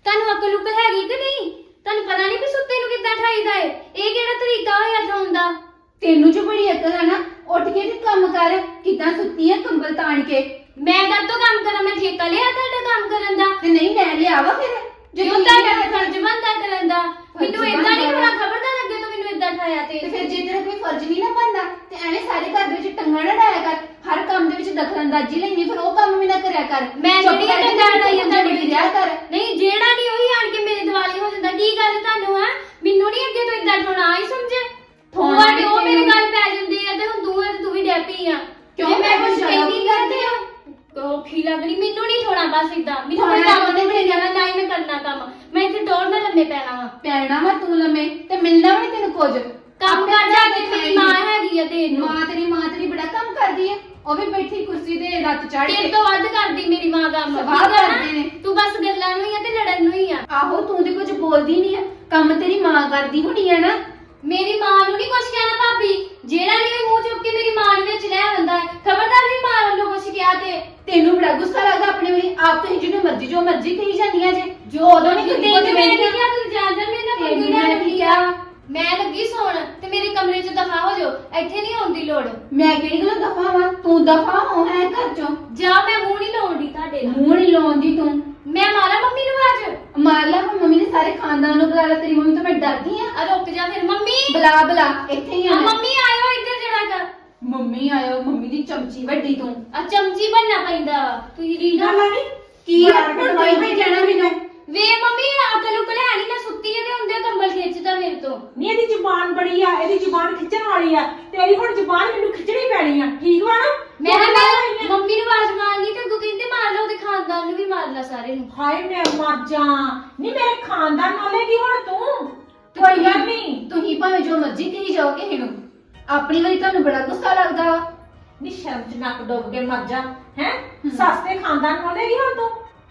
ਤੁਹਾਨੂੰ ਅਕਲ ਉਕਲ ਹੈਗੀ ਕਿ ਨਹੀਂ? ਤੁਹਾਨੂੰ ਪਤਾ ਨਹੀਂ ਵੀ ਸੁੱਤੇ ਨੂੰ ਕਿੱਦਾਂ ਠਾਈਦਾ ਏ? ਇਹ ਕਿਹੜਾ ਤਰੀਕਾ ਹੋਇਆ ਠਾਉਣ ਦਾ? ਤੈਨੂੰ ਜੋ ਬੜੀ ਅਕਲ ਆ ਨਾ, ਉੱਠ ਕੇ ਤੇ ਕੰਮ ਕਰ। ਕਿੱਦਾਂ ਸੁੱਤੀ ਆ ਕੰਬਲ ਤਾਣ ਕੇ? ਮੈਂ ਕਦ ਤੋਂ ਕੰਮ ਕਰਾਂ? ਮੈਂ ਠੇਕਾ ਲਿਆ ਤੁਹਾਡਾ ਕੰਮ ਕਰਨ ਦਾ? ਤੇ ਨਹੀਂ ਮੈਂ ਲਿਆਵਾ ਫਿਰ ਜਦੋਂ ਤੁਹਾਡਾ ਫਰਜ਼ ਬਣਦਾ ਕਰਨ ਦਾ। ਮੈਨੂੰ ਏਦਾਂ ਨਹੀਂ ਹੋਣਾ, ਖਬਰਦਾਰ ਅੱਗੇ ਤੋਂ ਮੈਨੂੰ ਏਦਾਂ ਠਾਇਆ ਤੇ ਫਿਰ ਜੇ ਤੇਰਾ ਕੋਈ ਫਰਜ਼ ਨਹੀਂ ਨਾ ਬਣਦਾ ਤੇ ਐਵੇਂ ਸਾਰੇ ਘਰ ਦੇ ਵਿੱਚ ਟੰਗਾ ਨਾ ਡਾਇਆ ਕਰ। ਹਰ ਕੰਮ ਦੇ ਵਿੱਚ ਦਖਲਅੰਦਾਜ਼ੀ ਲੈਣੀ, ਫਿਰ ਉਹ ਕੰਮ ਵੀ ਨਾ ਕਰਿਆ ਕਰ। ਮੈਂ ਜਿਹੜੀ ਟੰਗਾ ਡਾਈ ਆ ਤੁਹਾਡੇ ਵਿੱਚ ਰਿਹਾ ਕਰ। ਨਹੀਂ, ਜਿਹੜਾ ਨਹੀਂ ਉਹੀ ਆਣ ਕੇ ਮੇਰੇ ਦਿਵਾਲੀ ਹੋ ਜਾਂਦਾ। ਕੀ ਗੱਲ ਤੁਹਾਨੂੰ ਹੈ? ਮੈਨੂੰ ਨਹੀਂ ਅੱਗੇ ਤੋਂ ਏਦਾਂ ਠੋਣਾ ਆਈ ਸਮਝੇ। ਤੁਹਾਡੇ ਉਹ ਮੇਰੇ ਗੱਲ ਪੈ ਜਾਂਦੇ ਆ ਤੇ ਹੁਣ ਤੂੰ ਵੀ ਡੈਪੀ ਆ। ਕਿਉਂ? ਮੈਂ ਕੁਝ ਕਹਿੰਦੀ ਕਰਦੇ ਆ ਔਖੀ ਲੱਗਣੀ। ਮੈਨੂੰ ਨਹੀਂ ਠੋਣਾ ਬਸ ਏਦਾਂ। ਮੈਨੂੰ ਕੋਈ ਕੰਮ ਨਹੀਂ ਜਾਣਾ, ਨਾ ਹੀ ਮੈਂ ਕਰਨਾ ਕੰਮ। ਮੈਂ ਇੱਥੇ ਡੋਰ ਨਾਲ ਲੰਮੇ ਪੈਣਾ ਵਾ ਤੂੰ ਲੰਮੇ ਤੇ ਮਿਲਣਾ ਵੀ ਤੈਨੂੰ ਕੁਝ। ਕੰਮ ਕਰ ਜਾ ਕੇ। ਮੇਰੀ ਮਾਂ ਹੈਗੀ ਆ ਤੇ ਮਾਂ ਤੇਰੀ ਬੜਾ ਕੰਮ ਕਰਦੀ ਹੈ। ਉਹ ਵੀ ਬੈਠੀ ਕੁਰਸੀ ਤੇ ਲੱਤ ਚੜ੍ਹ ਤੇਰੇ ਕੇ। ਤੋਂ ਵੱਧ ਕਰਦੀ ਮੇਰੀ ਮਾਂ ਕੰਮ। ਸਵਾਹ ਕਰਦੇ ਨੇ। ਤੂੰ ਬਸ ਗੱਲਾਂ ਨੂੰ ਹੀ ਆ ਤੇ ਲੜਨ ਨੂੰ ਹੀ ਆ। ਆਹੋ ਤੂੰ ਤੇ ਕੁਝ ਬੋਲਦੀ ਨਹੀਂ ਆ। ਕੰਮ ਤੇਰੀ ਮਾਂ ਕਰਦੀ ਹੋਣੀ ਆ ਨਾ। ਮੇਰੀ ਮਾਂ ਨੂੰ ਨਹੀਂ ਕੁਛ ਕਹਿਣਾ ਭਾਬੀ। ਜਿਹੜਾ ਨਹੀਂ ਮੂੰਹ ਚੁੱਕ ਕੇ ਮੇਰੀ ਮਾਂ ਦੇ ਵਿੱਚ ਲੈ ਆਉਂਦਾ ਹੈ, ਖਬਰਦਾਰ ਵੀ ਮਾਂ ਵੱਲੋਂ ਕੁਛ ਕਿਹਾ ਤੇ ਤੈਨੂੰ ਬੜਾ ਗੁੱਸਾ ਲੱਗਦਾ ਆਪਣੇ ਵਾਲੀ ਆਪ ਤੇ ਜਿਹਨੂੰ ਜੋ ਮਰਜ਼ੀ ਕਹੀ ਜਾਂਦੀਆਂ ਜੇ। ਜੋ ਉਦੋਂ ਨਹੀਂ ਕਿਤੇ ਮੈਂ ਕਿਹਾ ਤੂੰ ਜਾਣ ਮੇਰੇ ਨਾਲ ਪੰਗੀ ਲੈ ਲਈ ਆ। ਮੈਂ ਲੱਗੀ ਸੌਣ ਤੇ ਮੇਰੇ ਕਮਰੇ 'ਚ ਦਫਾ ਹੋ ਜਾਓ। ਇੱਥੇ ਨਹੀਂ ਆਉਣ ਦੀ ਲੋੜ। ਮੈਂ ਕਿਹੜੀ ਗੱਲ ਦਫਾ ਵਾਂ? ਤੂੰ ਦਫਾ ਹੋ ਹੈ ਘਰ ਚੋਂ। ਜਾ, ਮੈਂ ਮੂੰਹ ਨਹੀਂ ਲਾਉਂਦੀ ਤੁਹਾਡੇ ਨਾਲ। ਮੂੰਹ ਨਹੀਂ ਲਾਉਂਦੀ ਤੂੰ। ਮੈਂ ਮਾਰਾ ਮੰਮੀ ਨੂੰ ਅੱਜ ਮਾਰ ਲਾ ਮੰਮੀ ਨੇ ਸਾਰੇ ਖਾਨਦਾਨ ਨੂੰ ਬੁਲਾ ਲਾ। ਤੇਰੀ ਮੰਮੀ ਤੋਂ ਮੈਂ ਡਰਦੀ ਆ। ਰੁਕ ਜਾ ਫਿਰ। ਮੰਮੀ ਬੁਲਾ ਇੱਥੇ ਹੀ ਆ। ਮੰਮੀ ਆਇਓ ਇੱਧਰ ਜਰਾ ਕਰ। ਮੰਮੀ ਆਇਓ। ਮੰਮੀ ਦੀ ਚਮਚੀ ਵੱਡੀ ਤੂੰ। ਆ ਚਮਚੀ ਬਣਨਾ ਪੈਂਦਾ। ਤੁਸੀਂ ਰੀਨਾ ਨਹੀਂ ਕੀ ਹੁਣ ਤੂੰ ਹੀ ਜਾਣਾ ਮੈਨੂੰ। ਵੇ ਮੰਮੀ ਅਕਲ ਉਕਲ ਹੈ ਨਹੀਂ। ਮੈਂ ਸੁੱਤੀ ਆ ਤੇ ਹੁੰਦੇ ਕੰਬਲ ਖਿੱਚਦਾ ਮੇਰੇ ਤੋਂ। ਨਹੀਂ ਇਹਦੀ ਜ਼ੁਬਾਨ ਬੜੀ ਆ, ਇਹਦੀ ਜ਼ੁਬਾਨ ਖਿੱਚਣ ਵਾਲੀ ਆ। ਤੇਰੀ ਹੁਣ ਜ਼ੁਬਾਨ ਮੈਨੂੰ ਖਿੱਚਣੀ ਪੈਣੀ ਆ, ਠੀਕ ਵਾ ਨਾ? ਮੈਂ ਮੰਮੀ ਨੂੰ ਆਵਾਜ਼ ਮਾਰਨੀ ਤੇ ਅੱਗੋਂ ਕਹਿੰਦੇ ਮਾਰ ਲਾ, ਉਹਦੇ ਖਾਨਦਾਨ ਨੂੰ ਵੀ ਮਾਰ ਲਾ, ਸਾਰੇ ਨੂੰ। ਹਾਏ ਮੈਂ ਮਰ ਜਾ। ਨਹੀਂ ਮੇਰੇ ਖਾਨਦਾਨ ਨਾਲੇ ਕੀ ਹੁਣ ਤੂੰ? ਕੋਈ ਗੱਲ ਨਹੀਂ। ਤੁਸੀਂ ਭਾਵੇਂ ਜੋ ਮਰਜ਼ੀ ਕਹੀ ਜਾਓ ਕਿਸੇ ਨੂੰ, ਆਪਣੀ ਵਾਰੀ ਤੁਹਾਨੂੰ ਬੜਾ ਗੁੱਸਾ ਲੱਗਦਾ ਵਾ। ਨਹੀਂ ਸ਼ਰਮ ਚ ਨੱਕ ਡੁੱਬ ਕੇ ਮਰ ਜਾ। ਹੈ ਸੱਸ ਦੇ ਖਾਨਦਾਨ ਨਾਲੇ ਕੀ ਹੁਣ ਤੂੰ?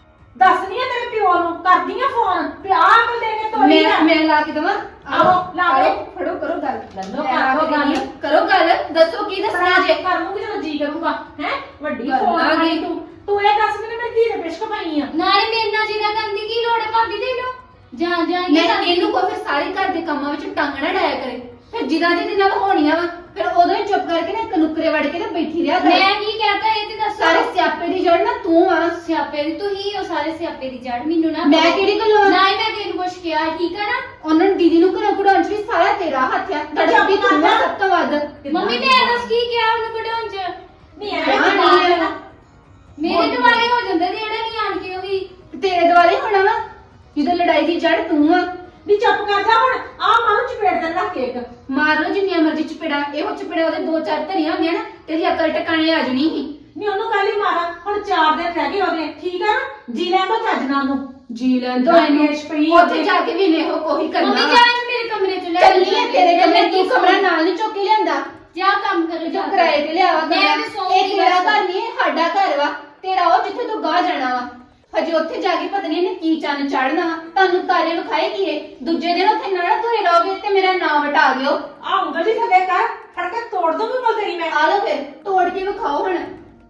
ਦੱਸਦੀ ਆ ਤੇਰੇ ਪਿਓ ਨੂੰ, ਕਰਦੀ ਆ ਫੋਨ ਤੇ ਆਹ ਕੋ ਦੇ ਕੇ ਤੋਰੀ ਆ। ਮੈਂ ਲਾ ਕੇ ਦਵਾਂ? ਆਹੋ ਲਾ ਦੇ। ਫੜੋ ਕਰੋ ਗੱਲ। ਲੱਲੋ ਮੈਂ ਲਾ ਕੇ ਗੱਲ। ਦਿੰਦੀ ਆ। ਕਰੋ ਗੱਲ। ਦੱਸੋ ਕੀ ਦੱਸਣਾ ਜੇ? ਕਰ ਲੂੰਗੀ ਜਦੋਂ ਜੀ ਕਰੂਗਾ। ਹੈ ਵੱਡੀ ਗੱਲ ਫੋਨ ਆ ਆ ਗਈ। ਗਈ ਤੂੰ ਇਹ ਦੱਸ ਮੈਨੂੰ ਮੇਰੀ ਧੀ ਦੇ ਪਿਸ਼ਕ ਪਾਈ ਆ। ਨਾਲੇ ਮੇਰੇ ਨਾਲ ਜਿਹੜਾ ਕਰਨ ਦੀ ਕੀ ਲੋੜ ਹੈ ਭਾਬੀ ਤੈਨੂੰ? ਜਾਂ ਮੈਂ ਇਹਨੂੰ ਕੋ ਫਿਰ ਸਾਰੇ ਘਰ ਦੇ ਕੰਮਾਂ ਵਿੱਚ ਟੰਗਣਾ ਡਾਇਆ ਕਰੇ। ਫਿਰ ਜਿਦਾਂ ਦੇ ਨਾਲ ਹੋਣੀਆਂ ਵਾ ਫਿਰ ਉਦੋਂ ਹੀ ਚੁੱਪ ਕਰਕੇ ਨਾ ਕਨੁਕਰੇ ਵੜ ਕੇ ਤੇ ਬੈਠੀ ਰਿਹਾ ਕਰ। ਮੈਂ ਕੀ ਕਹਤਾ ਇਹ ਤੇ ਦੱਸੋ। ਸਾਰੇ ਸਿਆਪੇ ਦੀ ਜੜ ਨਾ ਤੂੰ ਆ। ਸਿਆਪੇ ਦੀ ਤੂੰ ਹੀ ਉਹ ਸਾਰੇ ਸਿਆਪੇ ਦੀ ਜੜ। ਮੈਨੂੰ ਨਾ ਮੈਂ ਕਿਹੜੀ ਗੱਲੋਂ? ਨਾ ਹੀ ਮੈਂ ਤੈਨੂੰ ਕੁਛ ਕਿਹਾ, ਠੀਕ ਆ ਨਾ? ਉਹਨਾਂ ਨੂੰ ਦੀਦੀ ਨੂੰ ਘਰੋਂ ਕਢਾਉਣ ਚ ਵੀ ਸਾਰਾ ਤੇਰਾ ਹੱਥ ਆ। ਤੜਪੀ ਤੂੰ ਆ ਸਭ ਤੋਂ ਵੱਧ। ਮੰਮੀ ਮੈਂ ਦੱਸ ਕੀ ਕਿਹਾ ਉਹਨੂੰ ਕਢਾਉਣ ਚ? ਨਹੀਂ ਐ ਮੇਰੇ ਦੁਆਲੇ ਹੋ ਜਾਂਦੇ ਨੇ ਜਿਹੜਾ ਨਹੀਂ ਆਣ ਕੇ ਉਹ ਵੀ। ਤੇਰੇ ਦੁਆਲੇ ਹੋਣਾ ਵਾ ਜਦੋਂ ਲੜਾਈ ਦੀ ਜੜ ਤੂੰ ਆ। ਨੀ ਚੁੱਪ ਕਰ ਜਾ ਹੁਣ। ਆ ਮਾਰੂ ਚਪੇੜ ਦੇ ਰੱਖ ਕੇ ਇੱਕ। ਮਾਰ ਲੋ ਜਿੰਨੀਆਂ ਮਰਜ਼ੀ ਚਪੇੜਾ। ਇਹੋ ਚਪੇੜਾ ਉਹਦੇ 2-4 ਧਰੀਆਂ ਹੁੰਦੀਆਂ ਨਾ, ਤੇਰੀ ਅਕਲ ਟਿਕਾਣੇ ਆ ਜਣੀ ਸੀ। ਨੀ ਉਹਨੂੰ ਕੱਲ ਹੀ ਮਾਰਾ। ਹੁਣ 4 ਦਿਨ ਰਹਿ ਗਏ ਉਹਦੇ, ਠੀਕ ਆ ਨਾ? ਜੀ ਲੈ ਦੋ ਚੱਜ ਨਾਲ ਨੂੰ। ਜੀ ਲੈਂਦੋ ਇਹਨੂੰ। ਉੱਥੇ ਜਾ ਕੇ ਵੀ ਇਹੋ ਕੋਈ ਕਰਨਾ। ਮੰਮੀ ਜਾ ਮੇਰੇ ਕਮਰੇ ਚ ਲੈ ਚੱਲੀ ਆ ਤੇਰੇ ਕਮਰੇ। ਤੂੰ ਕਮਰਾ ਨਾਲ ਨਹੀਂ ਚੁੱਕ ਕੇ ਲਿਆਂਦਾ। ਜਾ ਕੰਮ ਕਰੋ ਜੋ ਕਿਰਾਏ ਤੇ ਲਿਆਵਾ ਮੈਂ ਕਮਰਾ। ਤੇ ਸੌਂਗੀ ਇਹ ਤੇਰਾ ਘਰ ਨਹੀਂ, ਇਹ ਸਾਡਾ ਘਰ ਵਾ। ਤੇਰਾ ਉਹ ਜਿੱਥੇ ਤੂੰ ਗਾਹ ਜਾਣਾ ਵਾ। ਹਜੇ ਉੱਥੇ ਜਾ ਕੇ ਪਤਾ ਨਹੀਂ ਇਹਨੇ ਕੀ ਚੰਨ ਚੜਨਾ ਵਾ। ਤੁਹਾਨੂੰ ਤਾਰੇ ਵਿਖਾਏ ਕੀ ਏ? ਦੂਜੇ ਦਿਨ ਉੱਥੇ ਨਾ ਧੋਏ ਰਹੋਗੇ ਤੇ ਮੇਰਾ ਨਾਮ ਵਟਾ ਦਿਓ। ਆ ਉਂਗਲ ਜੀ ਥੱਲੇ ਕਰ, ਫੜ ਕੇ ਤੋੜ ਦੂੰਗੀ ਮੈਂ ਤੇਰੀ। ਮੈਂ ਆ ਲੋ ਫਿਰ ਤੋੜ ਕੇ ਵਿਖਾਓ ਹੁਣ।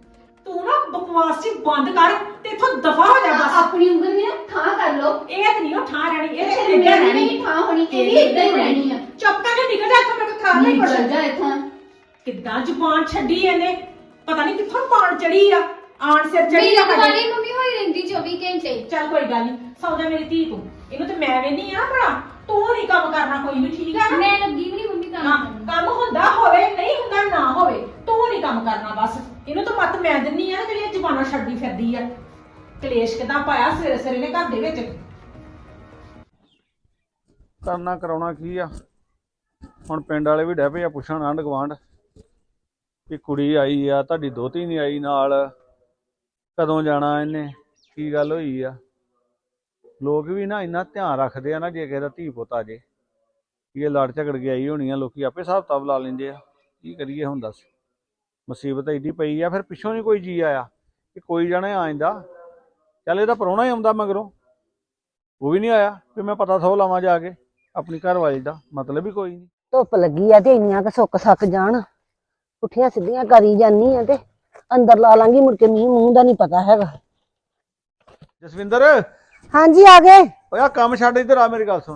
ਤੂੰ ਨਾ ਬਕਵਾਸ ਜੀ ਬੰਦ ਕਰ ਤੇ ਇਥੋਂ ਦਫਾ ਹੋ ਜਾ ਬਸ। ਆਪਣੀ ਉਂਗਲ ਵੀ ਨਾ ਠਾਂ ਕਰ ਲੋ। ਇਹ ਤੇ ਨਹੀਂ ਉਹ ਠਾਂ ਰਹਿਣੀ, ਇਹ ਤੇ ਮੇਰੀ ਇੱਦਾਂ ਵੀ ਰਹਿਣੀ। ਨਹੀਂ ਠਾਂ ਹੋਣੀ, ਇਹ ਵੀ ਇਦਾਂ ਹੀ ਰਹਿਣੀ ਆ। ਚੁੱਪ ਕਰਕੇ ਨਿਕਲ ਜਾ ਇੱਥੋਂ, ਮੇਰੇ ਕੋਲ ਖਾਣ ਨਹੀਂ ਚੱਲ ਪੜਦਾ। ਜਾ ਇੱਥੋਂ। ਕਿੱਦਾਂ ਜ਼ੁਬਾਨ ਛੱਡੀ ਇਹਨੇ, ਪਤਾ ਨਹੀਂ ਕਿੱਥੋਂ ਪਾਣ ਚੜੀ ਆ। ਆਣ ਸਿਰ ਚੜੀ ਮੇਰੀ ਆ ਦੁਆਲੇ ਮੰਮੀ ਹੋਈ ਰਹਿੰਦੀ 24 ਘੰਟੇ। ਚੱਲ ਕੋਈ ਗੱਲ ਨਹੀਂ, ਸੌ ਜਾ ਮੇਰੀ ਧੀ ਤੂੰ। ਇਹਨੂੰ ਤੇ ਮੈਂ ਵੇਨੀ ਆ ਨਾ ਭਲਾ। ਤੂੰ ਨਹੀਂ ਕੰਮ ਕਰਨਾ ਕੋਈ ਵੀ, ਠੀਕ ਆ ਨਾ? ਮੈਂ ਲੱਗੀ ਵੀ ਨਹੀਂ ਮੰਮੀ ਕੰਮ ਹਾਂ, ਕਰਨ। ਕੰਮ ਹੁੰਦਾ ਹੋਵੇ ਨਹੀਂ ਹੁੰਦਾ ਨਾ ਹੋਵੇ, ਤੂੰ ਨਹੀਂ ਕੰਮ ਕਰਨਾ ਬਸ। ਇਹਨੂੰ ਤਾਂ ਮੱਤ ਮੈਂ ਦਿੰਨੀ ਆ ਨਾ, ਜਿਹੜੀਆਂ ਜ਼ੁਬਾਨਾਂ ਛੱਡਦੀ ਫਿਰਦੀ ਆ। ਕਲੇਸ਼ ਕਿਦਾਂ ਪਾਇਆ ਸਵੇਰੇ ਸਵੇਰੇ ਨੇ ਘਰ ਦੇ ਵਿੱਚ। ਕਰਨਾ ਕਰਾਉਣਾ ਕੀ ਆ ਹੁਣ? ਪਿੰਡ ਵਾਲੇ ਵੀ ਡਹਿ ਪਏ ਆ ਪੁੱਛਣ, ਆਂਢ ਗੁਆਂਢ, ਕਿ ਕੁੜੀ ਆਈ ਆ, ਤੁਹਾਡੀ ਦੋਹਤੀ ਨਹੀਂ ਆਈ ਨਾਲ, ਕਦੋਂ ਜਾਣਾ ਇਹਨੇ, ਕੀ ਗੱਲ ਹੋਈ ਆ? ਲੋਕ ਵੀ ਨਾ ਇੰਨਾ ਧਿਆਨ ਰੱਖਦੇ ਆ ਨਾ, ਜੇ ਕਿਸੇ ਦਾ ਧੀ ਪੁੱਤ ਆ ਜੇ ਇਹ ਲੜ ਝਗੜ ਕੇ ਆਈ ਹੋਣੀ ਆ, ਲੋਕੀ ਆਪੇ ਹਿਸਾਬ ਕਿਤਾਬ ਲਾ ਲੈਂਦੇ ਆ। ਕੀ ਕਰੀਏ ਹੁਣ ਦੱਸ? ਮੁਸੀਬਤ ਏਡੀ ਪਈ ਆ, ਫਿਰ ਪਿੱਛੋਂ ਨਹੀਂ ਕੋਈ ਜੀ ਆਇਆ ਕਿ ਕੋਈ ਜਾਣਾ ਆ ਜਾਂਦਾ। ਚੱਲ ਇਹਦਾ ਪ੍ਰਾਹੁਣਾ ਹੀ ਆਉਂਦਾ ਮਗਰੋਂ, ਉਹ ਵੀ ਨਹੀਂ ਆਇਆ ਵੀ ਮੈਂ ਪਤਾ ਥੋ ਲਾਵਾਂ ਜਾ ਕੇ ਆਪਣੀ ਘਰ ਵਾਲੀ ਦਾ। ਮਤਲਬ ਹੀ ਕੋਈ ਨਹੀਂ। ਧੁੱਪ ਲੱਗੀ ਆ ਤੇ ਇੰਨੀਆਂ ਕ ਸੁੱਕ ਸੱਕ ਜਾਣ, ਪੁੱਠੀਆਂ ਸਿੱਧੀਆਂ ਕਰੀ ਜਾਨੀ ਆ ਤੇ ਅੰਦਰ ਲਾ ਲਾਂਗੀ, ਮੁੜ ਕੇ ਮੀਂਹ ਮੂੰਹ ਦਾ ਨਹੀਂ ਪਤਾ ਹੈਗਾ। ਜਸਵਿੰਦਰ ਹਾਂਜੀ ਆ ਗਏ। ਓਏ ਆ ਕੰਮ ਛੱਡ ਇੱਧਰ ਆ, ਮੇਰੀ ਗੱਲ ਸੁਣ।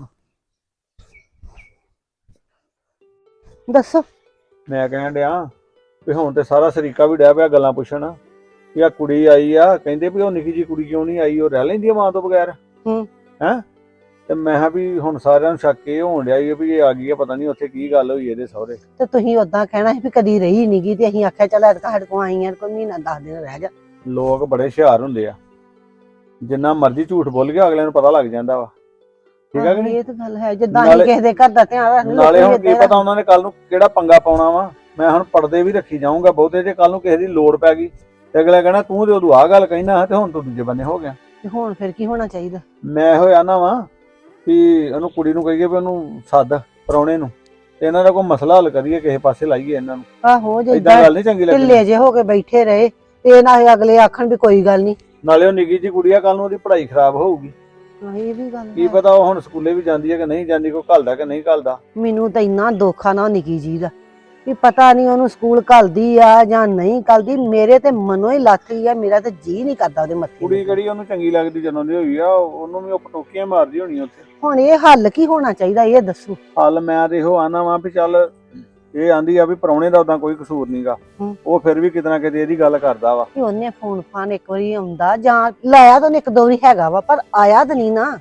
ਦੱਸੋ। ਮੈਂ ਕਹਿਣ ਡਿਆ ਵੀ ਹੁਣ ਤੇ ਸਾਰਾ ਸਰੀਕਾ ਵੀ ਡਿਆ ਪਿਆ ਗੱਲਾਂ ਪੁੱਛਣ ਵੀ ਆ ਕੁੜੀ ਆਈ ਆ, ਕਹਿੰਦੇ ਵੀ ਉਹ ਨਿੱਕੀ ਜੀ ਕੁੜੀ ਕਿਉਂ ਨਹੀਂ ਆਈ, ਉਹ ਰਹਿ ਲੈਂਦੀ ਆ ਮਾਂ ਤੋਂ ਬਗੈਰ। ਹੈਂ ਤੇ ਮੈਂ ਕਿਹਾ ਵੀ ਹੁਣ ਸਾਰਿਆਂ ਨੂੰ ਸ਼ੱਕ ਇਹ ਹੋਣ ਡਿਆ ਵੀ ਇਹ ਆ ਗਈ ਆ, ਪਤਾ ਨਹੀਂ ਉੱਥੇ ਕੀ ਗੱਲ ਹੋਈ ਇਹਦੇ ਸਹੁਰੇ। ਤੇ ਤੁਸੀਂ ਉਦਾਂ ਕਹਿਣਾ ਸੀ ਵੀ ਕਦੀ ਰਹੀ ਨੀ ਗੀ ਤੇ ਅਸੀਂ ਆਖਿਆ ਚੱਲ ਐਤਕਾਂ ਸਾਡੇ ਕੋਲ ਆਈ ਆ, ਕੋਈ ਮਹੀਨਾ 10 ਦਿਨ ਰਹਿ ਜਾ। ਲੋਕ ਬੜੇ ਹੁਸ਼ਿਆਰ ਹੁੰਦੇ ਆ, ਜਿੰਨਾ ਮਰਜ਼ੀ ਝੂਠ ਬੋਲ ਕੇ ਅਗਲੇ ਨੂੰ ਪਤਾ ਲੱਗ ਜਾਂਦਾ ਵਾ। ਠੀਕ ਆ ਕਿ ਨਹੀਂ? ਇਹ ਤਾਂ ਗੱਲ ਹੈ, ਜਿੱਦਾਂ ਅਸੀਂ ਕਿਸੇ ਦੇ ਘਰ ਦਾ ਧਿਆਨ ਰੱਖਦੇ ਨਾਲੇ ਹੁਣ ਕੀ ਪਤਾ ਉਹਨਾਂ ਨੇ ਕੱਲ ਨੂੰ ਕਿਹੜਾ ਪੰਗਾ ਪਾਉਣਾ ਵਾ। ਮੈਂ ਹੁਣ ਪਰਦੇ ਵੀ ਰੱਖੀ ਜਾਊਂਗਾ ਬਹੁਤੇ, ਜੇ ਕੱਲ ਨੂੰ ਕਿਸੇ ਦੀ ਲੋੜ ਪੈ ਗਈ ਤੇ ਅਗਲਾ ਕਹਿਣਾ ਤੂੰ ਤੇ ਉਦੋਂ ਆਹ ਗੱਲ ਕਹਿਣਾ ਤੇ ਹੁਣ ਤੂੰ ਦੂਜੇ ਬੰਨੇ ਹੋ ਗਿਆ। ਤੇ ਹੁਣ ਫਿਰ ਕੀ ਹੋਣਾ ਚਾਹੀਦਾ? ਮੈਂ ਇਹੋ ਆਨਾ ਵਾਂ ਵੀ ਉਹਨੂੰ ਕੁੜੀ ਨੂੰ ਕਹੀਏ ਵੀ ਉਹਨੂੰ ਸੱਦ ਪ੍ਰਾਹੁਣੇ ਨੂੰ ਤੇ ਇਹਨਾਂ ਦਾ ਕੋਈ ਮਸਲਾ ਹੱਲ ਕਰੀਏ, ਕਿਸੇ ਪਾਸੇ ਲਾਈਏ ਇਹਨਾਂ ਨੂੰ। ਆਹੋ ਏਦਾਂ ਜਿੱਦਾਂ ਗੱਲ ਨਹੀਂ ਚੰਗੀ ਲੱਗਦੀ। ਢਿੱਲੇ ਜੇ ਹੋ ਕੇ ਬੈਠੇ ਰਹੇ ਤੇ ਨਾ ਅਗਲੇ ਆਖਣ ਵੀ ਕੋਈ ਗੱਲ ਨਹੀਂ। ਨਾਲੇ ਉਹ ਨਿੱਕੀ ਜੀ ਕੁੜੀ ਆ, ਕੱਲ ਨੂੰ ਉਹਦੀ ਪੜ੍ਹਾਈ ਖਰਾਬ ਹੋਊਗੀ। ਇਹ ਵੀ ਗੱਲ ਕੀ ਹੈ। ਪਤਾ ਉਹ ਹੁਣ ਸਕੂਲੇ ਵੀ ਜਾਂਦੀ ਹੈ ਕਿ ਨਹੀਂ ਜਾਂਦੀ, ਕੋਈ ਘੱਲਦਾ ਕਿ ਨਹੀਂ ਘੱਲਦਾ। ਮੈਨੂੰ ਤਾਂ ਇੰਨਾ ਦੁੱਖ ਆ ਨਾ ਨਿੱਕੀ ਜੀ ਦਾ ਵੀ ਪਤਾ ਨਹੀਂ ਉਹਨੂੰ ਸਕੂਲ ਘੱਲਦੀ ਆ ਜਾਂ ਨਹੀਂ ਘੱਲਦੀ। ਮੇਰੇ ਤੇ ਮਨੋਂ ਹੀ ਲੱਥ ਗਈ ਆ, ਮੇਰਾ ਤੇ ਜੀ ਨਹੀਂ ਕਰਦਾ ਉਹਦੇ ਮੱਥੇ ਕੁੜੀ ਕਿਹੜੀ ਉਹਨੂੰ ਚੰਗੀ ਲੱਗਦੀ ਜਦੋਂ ਦੀ ਹੋਈ ਆ, ਉਹਨੂੰ ਵੀ ਉਹ ਪਟੋਕੀਆਂ ਮਾਰਦੀ ਹੋਣੀ ਉੱਥੇ। ਹੁਣ ਇਹ ਹੱਲ ਕੀ ਹੋਣਾ ਚਾਹੀਦਾ ਇਹ ਦੱਸੋ। ਹੱਲ ਮੈਂ ਤੇ ਇਹੋ ਆਨਾ ਵਾਂ ਵੀ ਚੱਲ ਇਹ ਆਂਦੀ ਆ ਵੀ ਪ੍ਰਾਹੁਣੇ ਦਾ ਉਦਾਂ ਕੋਈ ਕਸੂਰ ਨਹੀਂਗਾ, ਉਹ ਫਿਰ ਵੀ ਕਿਤੇ ਨਾ ਕਿਤੇ ਇਹਦੀ ਗੱਲ ਕਰਦਾ ਵਾ। ਕਿ ਉਹਨੇ ਫੋਨ ਫਾਨ ਇੱਕ ਵਾਰੀ ਆਉਂਦਾ ਜਾਂ ਲਾਇਆ ਤਾਂ ਉਹਨੇ ਇੱਕ ਦੋ ਵਾਰੀ ਹੈਗਾ ਵਾ, ਪਰ ਆਇਆ ਤਾਂ ਨਹੀਂ ਨਾ।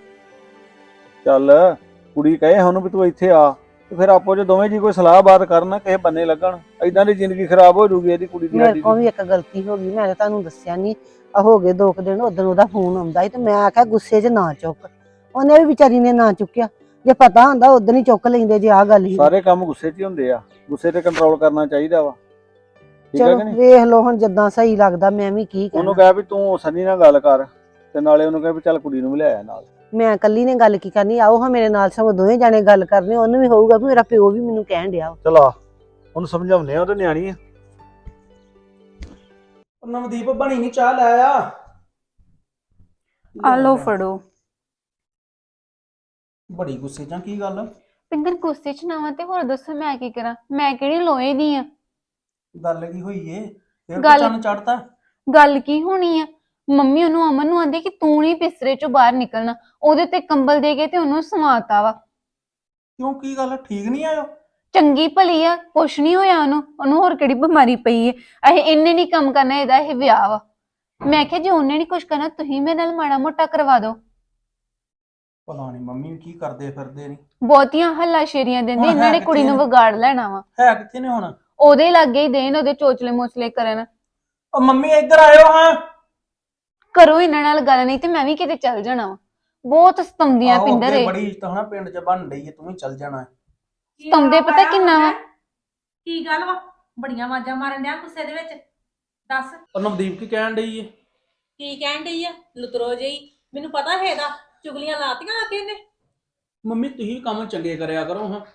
ਚੱਲ ਕੁੜੀ ਕਹੇ ਉਹਨੂੰ ਵੀ ਤੂੰ ਇੱਥੇ ਆ ਤੇ ਫਿਰ ਆਪੋ ਜੇ ਦੋਵੇਂ ਜੀ ਕੋਈ ਸਲਾਹ ਬਾਤ ਕਰਨ, ਕਿਸੇ ਬੰਨੇ ਲੱਗਣ, ਏਦਾਂ ਦੀ ਜ਼ਿੰਦਗੀ ਖਰਾਬ ਹੋ ਜੂਗੀ ਇਹਦੀ ਕੁੜੀ ਦੀ। ਮੇਰੇ ਕੋਲ ਵੀ ਇੱਕ ਗਲਤੀ ਹੋ ਗਈ, ਮੈਂ ਤਾਂ ਤੁਹਾਨੂੰ ਦੱਸਿਆ ਨਹੀਂ। ਹੋ ਗਏ 2 ਦਿਨ ਉਦੋਂ ਉਹਦਾ ਫੋਨ ਆਉਂਦਾ ਸੀ ਤੇ ਮੈਂ ਆਖਿਆ ਗੁੱਸੇ 'ਚ ਨਾ ਚੁੱਕ, ਉਹਨੇ ਵੀ ਵਿਚਾਰੀ ਨੇ ਨਾ ਚੁੱਕਿਆ। ਜੇ ਪਤਾ ਹੁੰਦਾ ਉਦੋਂ ਹੀ ਚੁੱਕ ਲੈਂਦੇ ਜੇ ਆਹ ਗੱਲ ਹੀ। ਸਾਰੇ ਕੰਮ ਗੁੱਸੇ 'ਚ ਹੀ ਹੁੰਦੇ ਆ, ਗੁੱਸੇ ਤੇ ਕੰਟਰੋਲ ਕਰਨਾ ਚਾਹੀਦਾ ਵਾ। ਠੀਕ ਹੈ ਚਲੋ ਕਿ ਨਹੀਂ? ਵੇਖ ਲਓ ਹੁਣ ਜਿੱਦਾਂ ਸਹੀ ਲੱਗਦਾ, ਮੈਂ ਵੀ ਕੀ ਉਹਨੂੰ ਕਹਿਣਾ। ਕਹਿ ਵੀ ਤੂੰ ਸਨੀ ਨਾਲ ਗੱਲ ਕਰ ਤੇ ਨਾਲੇ ਉਹਨੂੰ ਕਹਿ ਵੀ ਚੱਲ ਕੁੜੀ ਨੂੰ ਵੀ ਲੈ ਆ ਨਾਲ। ਮੈਂ ਇਕੱਲੀ ਨੇ ਗੱਲ ਕੀ ਕਰਨੀ, ਆਓ ਹਾਂ ਮੇਰੇ ਨਾਲ, ਸਗੋਂ ਦੋਵੇਂ ਜਾਣੇ ਗੱਲ ਕਰਨੀ। ਉਹਨੂੰ ਵੀ ਹੋਊਗਾ ਵੀ ਮੇਰਾ ਪਿਓ ਵੀ ਮੈਨੂੰ ਕਹਿਣ ਡਿਆ ਵਾ। ਚਲ ਆ ਉਹਨੂੰ ਸਮਝਾਉਂਦੇ ਆ, ਉਹ ਤੇ ਨਿਆਣੀ ਆ। ਨਵਦੀਪ ਬਣੀ ਨਹੀਂ ਚਾਹ ਲੈ ਆ ਲਓ ਫੜੋ। ਬੜੀ ਗੁੱਸੇ ਜਾਂ ਕੀ ਗੱਲ? ਪਿੰਦਰ ਗੁੱਸੇ ਚ ਨਾ ਵਾ ਤੇ ਹੋਰ ਦੱਸੋ ਮੈਂ ਕੀ ਕਰਾਂ? ਮੈਂ ਕਿਹੜੀ ਲੋਹੇ ਦੀ ਆ? ਗੱਲ ਕੀ ਹੋਈ ਏ? ਫਿਰ ਗੱਲ- ਚੰਨ ਚੜਤਾ। ਗੱਲ ਕੀ ਹੋਣੀ ਆ? ਮੰਮੀ ਉਹਨੂੰ ਅਮਨ ਨੂੰ ਆਂਦੇ ਕਿ ਤੂੰ ਨਹੀਂ ਬਿਸਤਰੇ ਚੋਂ ਬਾਹਰ ਨਿਕਲਣਾ, ਉਹਦੇ ਤੇ ਕੰਬਲ ਦੇ ਕੇ ਤੇ ਉਹਨੂੰ ਸਮਾਤਾ ਵਾ। ਕਿਉਂ ਕੀ ਗੱਲ ਠੀਕ ਨਹੀਂ ਆਇਓ? ਚੰਗੀ ਭਲੀ ਆ, ਕੁਛ ਨਹੀਂ ਹੋਇਆ ਉਹਨੂੰ ਹੋਰ ਕਿਹੜੀ ਬਿਮਾਰੀ ਪਈ ਏ? ਇਹਨੇ ਨਹੀਂ ਕੰਮ ਕਰਨਾ, ਇਹਦਾ ਇਹ ਵਿਆਹ ਵਾ। ਮੈਂ ਕਿਹਾ ਜੇ ਉਹਨੇ ਨਹੀਂ ਕੁਛ ਕਰਨਾ ਤੁਸੀਂ ਮੇਰੇ ਨਾਲ ਮਾੜਾ ਮੋਟਾ ਕਰਵਾ ਦਿਓ। ਪਤਾ ਨਹੀਂ ਮੰਮੀ ਕੀ ਕਰਦੇ ਫਿਰਦੇ ਨੇ। ਬਹੁਤੀਆਂ ਹੱਲਾਸ਼ੇਰੀਆਂ ਦਿੰਦੇ, ਹੁਣ ਇਹਨਾਂ ਨੇ ਹੈ ਕੁੜੀ ਨੂੰ ਕਿੱਥੇ ਵਿਗਾੜ ਲੈਣਾ ਵਾ। ਹੈ ਕਿੱਥੇ ਨੇ ਹੁਣ? ਉਹਦੇ ਲਾਗੇ ਹੀ ਦੇਣ, ਉਹਦੇ ਚੋਚਲੇ ਮੋਚਲੇ ਕਰਨ। ਉਹ ਮੰਮੀ ਇੱਧਰ ਆਇਓ ਹਾਂ। ਕਰੋ ਇਹਨਾਂ ਨਾਲ ਗੱਲ, ਨਹੀਂ ਤੇ ਮੈਂ ਵੀ ਕਿਤੇ ਚੱਲ ਜਾਣਾ ਵਾ। ਬਹੁਤ ਸਤਾਉਂਦੀਆਂ ਆਹੋ, ਪਿੰਦਰ ਅੱਗੇ ਇਹ। ਬੜੀ ਇੱਜ਼ਤ ਹਨਾ ਪਿੰਡ 'ਚ ਬਣ ਰਹੀ ਏ, ਤੂੰ ਵੀ ਚੱਲ ਜਾਣਾ। ਸਤਾਉਂਦੇ ਪਤਾ ਕਿੰਨਾ ਵਾ? ਕੀ ਗੱਲ ਵਾ? ਬੜੀਆਂ ਆਵਾਜ਼ਾਂ ਮਾਰਨ ਡਿਆ ਗੁੱਸੇ ਦੇ ਵਿੱਚ। ਦੱਸ ਉਹ ਨਵਦੀਪ ਕੀ ਕਹਿਣ ਡਈ ਏ? ਕੀ ਕਹਿਣ ਡਈ ਆ? ਲੁਤਰੋ ਜਿਹੀ। ਮੈਨੂੰ ਪਤਾ ਹੈ ਇਹਦਾ, ਚੁਗਲੀਆਂ ਲਾਤੀਆਂ ਆ ਕੇ ਇਹਨੇ। ਮੰਮੀ ਤੁਸੀਂ ਕੰਮ ਚੰਗੇ ਕਰਿਆ ਕਰੋ ਹਾਂ।